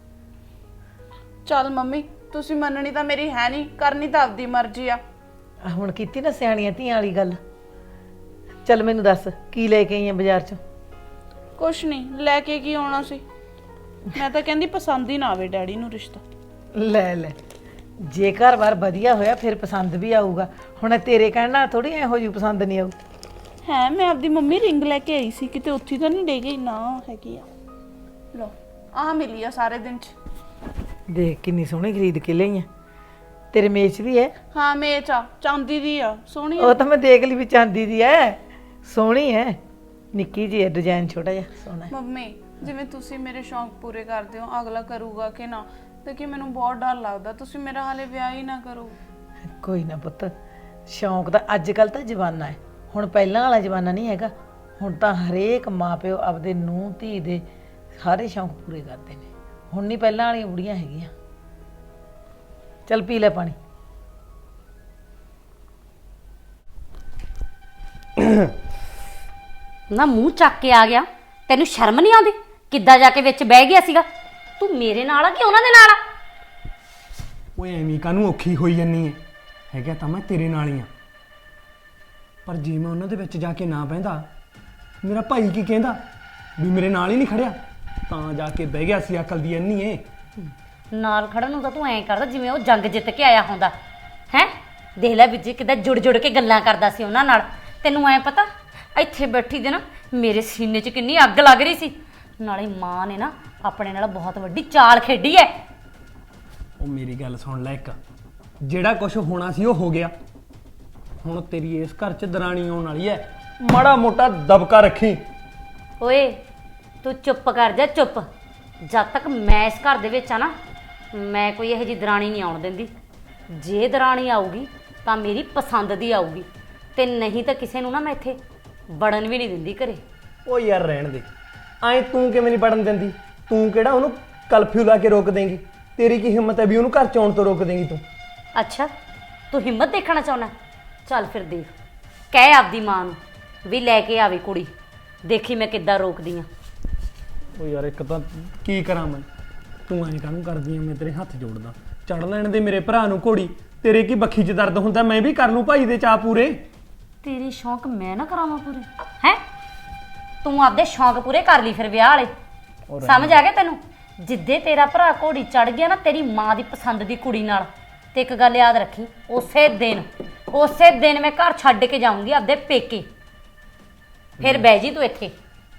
Speaker 9: ਚੱਲ ਮੰਮੀ ਤੁਸੀਂ ਮੰਨਣੀ ਤਾਂ ਮੇਰੀ ਹੈ ਨਹੀਂ, ਕਰਨੀ ਤਾਂ ਆਪਦੀ ਮਰਜ਼ੀ ਆ।
Speaker 8: ਆਹ ਹੁਣ ਕੀਤੀ ਨਾ ਸਿਆਣੀਆਂ ਧੀਆਂ ਵਾਲੀ ਗੱਲ। ਚੱਲ ਮੈਨੂੰ ਦੱਸ ਕੀ ਲੈ ਕੇ ਆਈ ਆ ਬਾਜ਼ਾਰ ਚੋਂ?
Speaker 9: ਕੁਛ ਨਹੀਂ ਲੈ ਕੇ ਕੀ ਆਉਣਾ ਸੀ, ਮੈਂ ਤਾਂ ਕਹਿੰਦੀ ਪਸੰਦ ਹੀ ਨਾ ਆਵੇ ਡੈਡੀ ਨੂੰ ਰਿਸ਼ਤਾ।
Speaker 8: ਲੈ ਲੈ, ਜੇ ਘਰ-ਬਾਰ ਵਧੀਆ ਹੋਇਆ ਫਿਰ ਪਸੰਦ ਵੀ ਆਊਗਾ, ਹੁਣ ਤੇਰੇ ਕਹਿਣ ਨਾਲ ਥੋੜੀ ਇਹੋ ਜਿਹੀ ਪਸੰਦ ਨਹੀਂ ਆਊ।
Speaker 9: ਹੈ ਮੈਂ ਆਪਦੀ ਮੰਮੀ ਰਿੰਗ ਲੈ ਕੇ ਆਈ ਸੀ, ਕਿਤੇ ਉੱਥੇ ਤਾਂ ਨਹੀਂ ਡੇ ਗਈ ਨਾ? ਹੈਗੀ ਆ, ਲੋ ਆਹ ਮਿਲੀ ਆ ਸਾਰੇ ਦਿਨ 'ਚ।
Speaker 8: ਦੇਖ ਕਿੰਨੀ ਸੋਹਣੀ ਖਰੀਦ ਕੇ ਲਈ ਆ, ਤੇਰੇ ਮੇਚ ਵੀ ਹੈ?
Speaker 9: ਹਾਂ ਮੇਚ ਆ, ਚਾਂਦੀ ਦੀ ਆ, ਸੋਹਣੀ ਆ।
Speaker 8: ਉਹ ਤਾਂ ਮੈਂ ਦੇਖ ਲਈ ਵੀ ਚਾਂਦੀ ਦੀ ਹੈ, ਸੋਹਣੀ ਹੈ, ਨਿੱਕੀ ਜਿਹੀ ਹੈ, ਡਿਜ਼ਾਈਨ ਛੋਟਾ ਜਿਹਾ ਸੋਹਣਾ ਹੈ।
Speaker 9: ਮੰਮੀ ਜਿਵੇਂ ਤੁਸੀਂ ਮੇਰੇ ਸ਼ੌਂਕ ਪੂਰੇ ਕਰਦੇ ਹੋ, ਅਗਲਾ ਕਰੂਗਾ ਕਿ ਨਾ, ਦੇਖੀ ਮੈਨੂੰ ਬਹੁਤ ਡਰ ਲੱਗਦਾ, ਤੁਸੀਂ ਮੇਰਾ ਹਾਲੇ ਵਿਆਹ ਹੀ ਨਾ ਕਰੋ।
Speaker 8: ਕੋਈ ਨਾ ਪੁੱਤ, ਸ਼ੌਂਕ ਦਾ ਅੱਜ ਕੱਲ ਤਾਂ ਜਵਾਨਾ ਹੈ, ਹੁਣ ਪਹਿਲਾਂ ਵਾਲਾ ਜਵਾਨਾ ਨਹੀਂ ਹੈਗਾ। ਹੁਣ ਤਾਂ ਹਰੇਕ ਮਾਪਿਓ ਆਪਦੇ ਨੂੰਹ ਧੀ ਦੇ ਸਾਰੇ ਸ਼ੌਂਕ ਪੂਰੇ ਕਰਦੇ ਨੇ, ਹੁਣ ਨਹੀਂ ਪਹਿਲਾਂ ਵਾਲੀਆਂ ਬੁੜੀਆਂ ਹੈਗੀਆਂ। ਚੱਲ ਪੀ ਲੈ ਪਾਣੀ।
Speaker 1: ਨਾ ਮੂੰਹ ਚੱਕ ਕੇ ਆ ਗਿਆ, ਤੈਨੂੰ ਸ਼ਰਮ ਨਹੀਂ ਆਉਂਦੀ? ਕਿੱਦਾਂ ਜਾ ਕੇ ਵਿੱਚ ਬਹਿ ਗਿਆ ਸੀਗਾ? ਤੂੰ ਮੇਰੇ ਨਾਲ ਆ ਕਿ ਉਹਨਾਂ ਦੇ ਨਾਲ ਆ?
Speaker 5: ਓਏ ਐਵੇਂ ਕਾਹਨੂੰ ਔਖੀ ਹੋਈ ਜੰਨੀ ਹੈ, ਹੈਗਾ ਤਾਂ ਮੈਂ ਤੇਰੇ ਨਾਲ ਹੀ ਆ। ਪਰ ਜੇ ਮੈਂ ਉਹਨਾਂ ਦੇ ਵਿੱਚ ਜਾ ਕੇ ਨਾ ਬਹਿੰਦਾ, ਮੇਰਾ ਭਾਈ ਕੀ ਕਹਿੰਦਾ ਵੀ ਮੇਰੇ ਨਾਲ ਹੀ ਨਹੀਂ ਖੜਿਆ, ਤਾਂ ਜਾ ਕੇ ਬਹਿ ਗਿਆ ਸੀ ਅਕਲ ਦੀ ਅੰਨੀ ਏ।
Speaker 1: ਨਾਲ ਖੜਨ ਨੂੰ ਤਾਂ ਤੂੰ ਐਂ ਕਰਦਾ ਜਿਵੇਂ ਉਹ ਜੰਗ ਜਿੱਤ ਕੇ ਆਇਆ ਹੁੰਦਾ ਹੈ। ਦੇਖ ਲੈ ਵਿੱਚ ਕਿੱਦਾਂ ਜੁੜ ਜੁੜ ਕੇ ਗੱਲਾਂ ਕਰਦਾ ਸੀ ਉਹਨਾਂ ਨਾਲ। ਤੈਨੂੰ ਐਂ ਪਤਾ ਇੱਥੇ ਬੈਠੀ ਦੇ ਨਾ ਮੇਰੇ ਸੀਨੇ 'ਚ ਕਿੰਨੀ ਅੱਗ ਲੱਗ ਰਹੀ ਸੀ। ਨਾਲੇ ਮਾਂ ਨੇ ਨਾ ਆਪਣੇ ਨਾਲ ਬਹੁਤ ਵੱਡੀ ਚਾਲ ਖੇਡੀ ਐ।
Speaker 5: ਉਹ ਮੇਰੀ ਗੱਲ ਸੁਣ ਲੈ, ਇੱਕ ਜਿਹੜਾ ਕੁਝ ਹੋਣਾ ਸੀ ਉਹ ਹੋ ਗਿਆ। ਹੁਣ ਤੇਰੀ ਇਸ ਘਰ 'ਚ ਦਰਾਣੀ ਆਉਣ ਵਾਲੀ ਐ, ਮਾੜਾ ਮੋਟਾ ਦਬਕਾ ਰੱਖੀ।
Speaker 1: ਓਏ ਤੂੰ ਚੁੱਪ ਕਰ ਜਾ, ਚੁੱਪ। ਜਦ ਤੱਕ ਮੈਂ ਇਸ ਘਰ ਦੇ ਵਿੱਚ ਆ ਨਾ, ਮੈਂ ਕੋਈ ਇਹੋ ਜਿਹੀ ਦਰਾਣੀ ਨਹੀਂ ਆਉਣ ਦਿੰਦੀ। ਜੇ ਦਰਾਣੀ ਆਊਗੀ ਤਾਂ ਮੇਰੀ ਪਸੰਦ ਦੀ ਆਊਗੀ, ਤੇ ਨਹੀਂ ਤਾਂ ਕਿਸੇ ਨੂੰ ਨਾ ਮੈਂ ਇੱਥੇ ਵੜਨ ਵੀ ਨਹੀਂ ਦਿੰਦੀ ਘਰੇ।
Speaker 5: ਉਹ ਯਾਰ ਰਹਿਣ ਦੇ, ਐਂ ਤੂੰ ਕਿਵੇਂ ਨਹੀਂ ਪੜਨ ਦਿੰਦੀ? ਤੂੰ ਕਿਹੜਾ ਉਹਨੂੰ ਕਲਫਿਊ ਲਾ ਕੇ ਰੋਕ ਦੇਂਗੀ? ਤੇਰੀ ਕੀ ਹਿੰਮਤ ਹੈ ਵੀ ਉਹਨੂੰ ਘਰ 'ਚ ਆਉਣ ਤੋਂ ਰੋਕ ਦੇਂਗੀ ਤੂੰ?
Speaker 1: ਅੱਛਾ ਤੂੰ ਹਿੰਮਤ ਦੇਖਣਾ ਚਾਹੁੰਦਾ? ਚੱਲ ਫਿਰ ਦੇਖ, ਕਹਿ ਆਪਦੀ ਮਾਂ ਨੂੰ ਵੀ ਲੈ ਕੇ ਆਵੇ ਕੁੜੀ, ਦੇਖੀ ਮੈਂ ਕਿੱਦਾਂ ਰੋਕਦੀ ਆ।
Speaker 5: ਉਹ ਯਾਰ ਇੱਕ ਤਾਂ ਕੀ ਕਰਾਂ ਮੈਂ, ਤੂੰ ਐਂ ਕਾਹਨੂੰ ਕਰਦੀ ਆ? ਮੈਂ ਤੇਰੇ ਹੱਥ ਜੋੜਦਾ, ਚੜ ਲੈਣ ਦੇ ਮੇਰੇ ਭਰਾ ਨੂੰ ਘੋੜੀ। ਤੇਰੇ ਕੀ ਬੱਖੀ 'ਚ ਦਰਦ ਹੁੰਦਾ, ਮੈਂ ਵੀ ਕਰ ਲੂੰ ਭਾਈ ਦੇ ਚਾਅ ਪੂਰੇ।
Speaker 1: ਤੇਰੇ ਸ਼ੌਂਕ ਮੈਂ ਨਾ ਕਰਾਵਾਂ ਪੂਰੇ? ਹੈ ਤੂੰ ਆਪਦੇ ਸ਼ੌਂਕ ਪੂਰੇ ਕਰ ਲਈ ਫਿਰ ਵਿਆਹ ਵਾਲੇ, ਸਮਝ ਆ ਗਿਆ ਤੈਨੂੰ? ਜਿੱਦੇ ਤੇਰਾ ਭਰਾ ਘੋੜੀ ਚੜ ਗਿਆ ਨਾ ਤੇਰੀ ਮਾਂ ਦੀ ਪਸੰਦ ਦੀ ਕੁੜੀ ਨਾਲ, ਤੇ ਇੱਕ ਗੱਲ ਯਾਦ ਰੱਖੀ, ਉਸੇ ਦਿਨ ਉਸੇ ਦਿਨ ਮੈਂ ਘਰ ਛੱਡ ਕੇ ਜਾਊਂਗੀ ਆਪਦੇ ਪੇਕੇ। ਫਿਰ ਬਹਿ ਜੀ ਤੂੰ ਇੱਥੇ।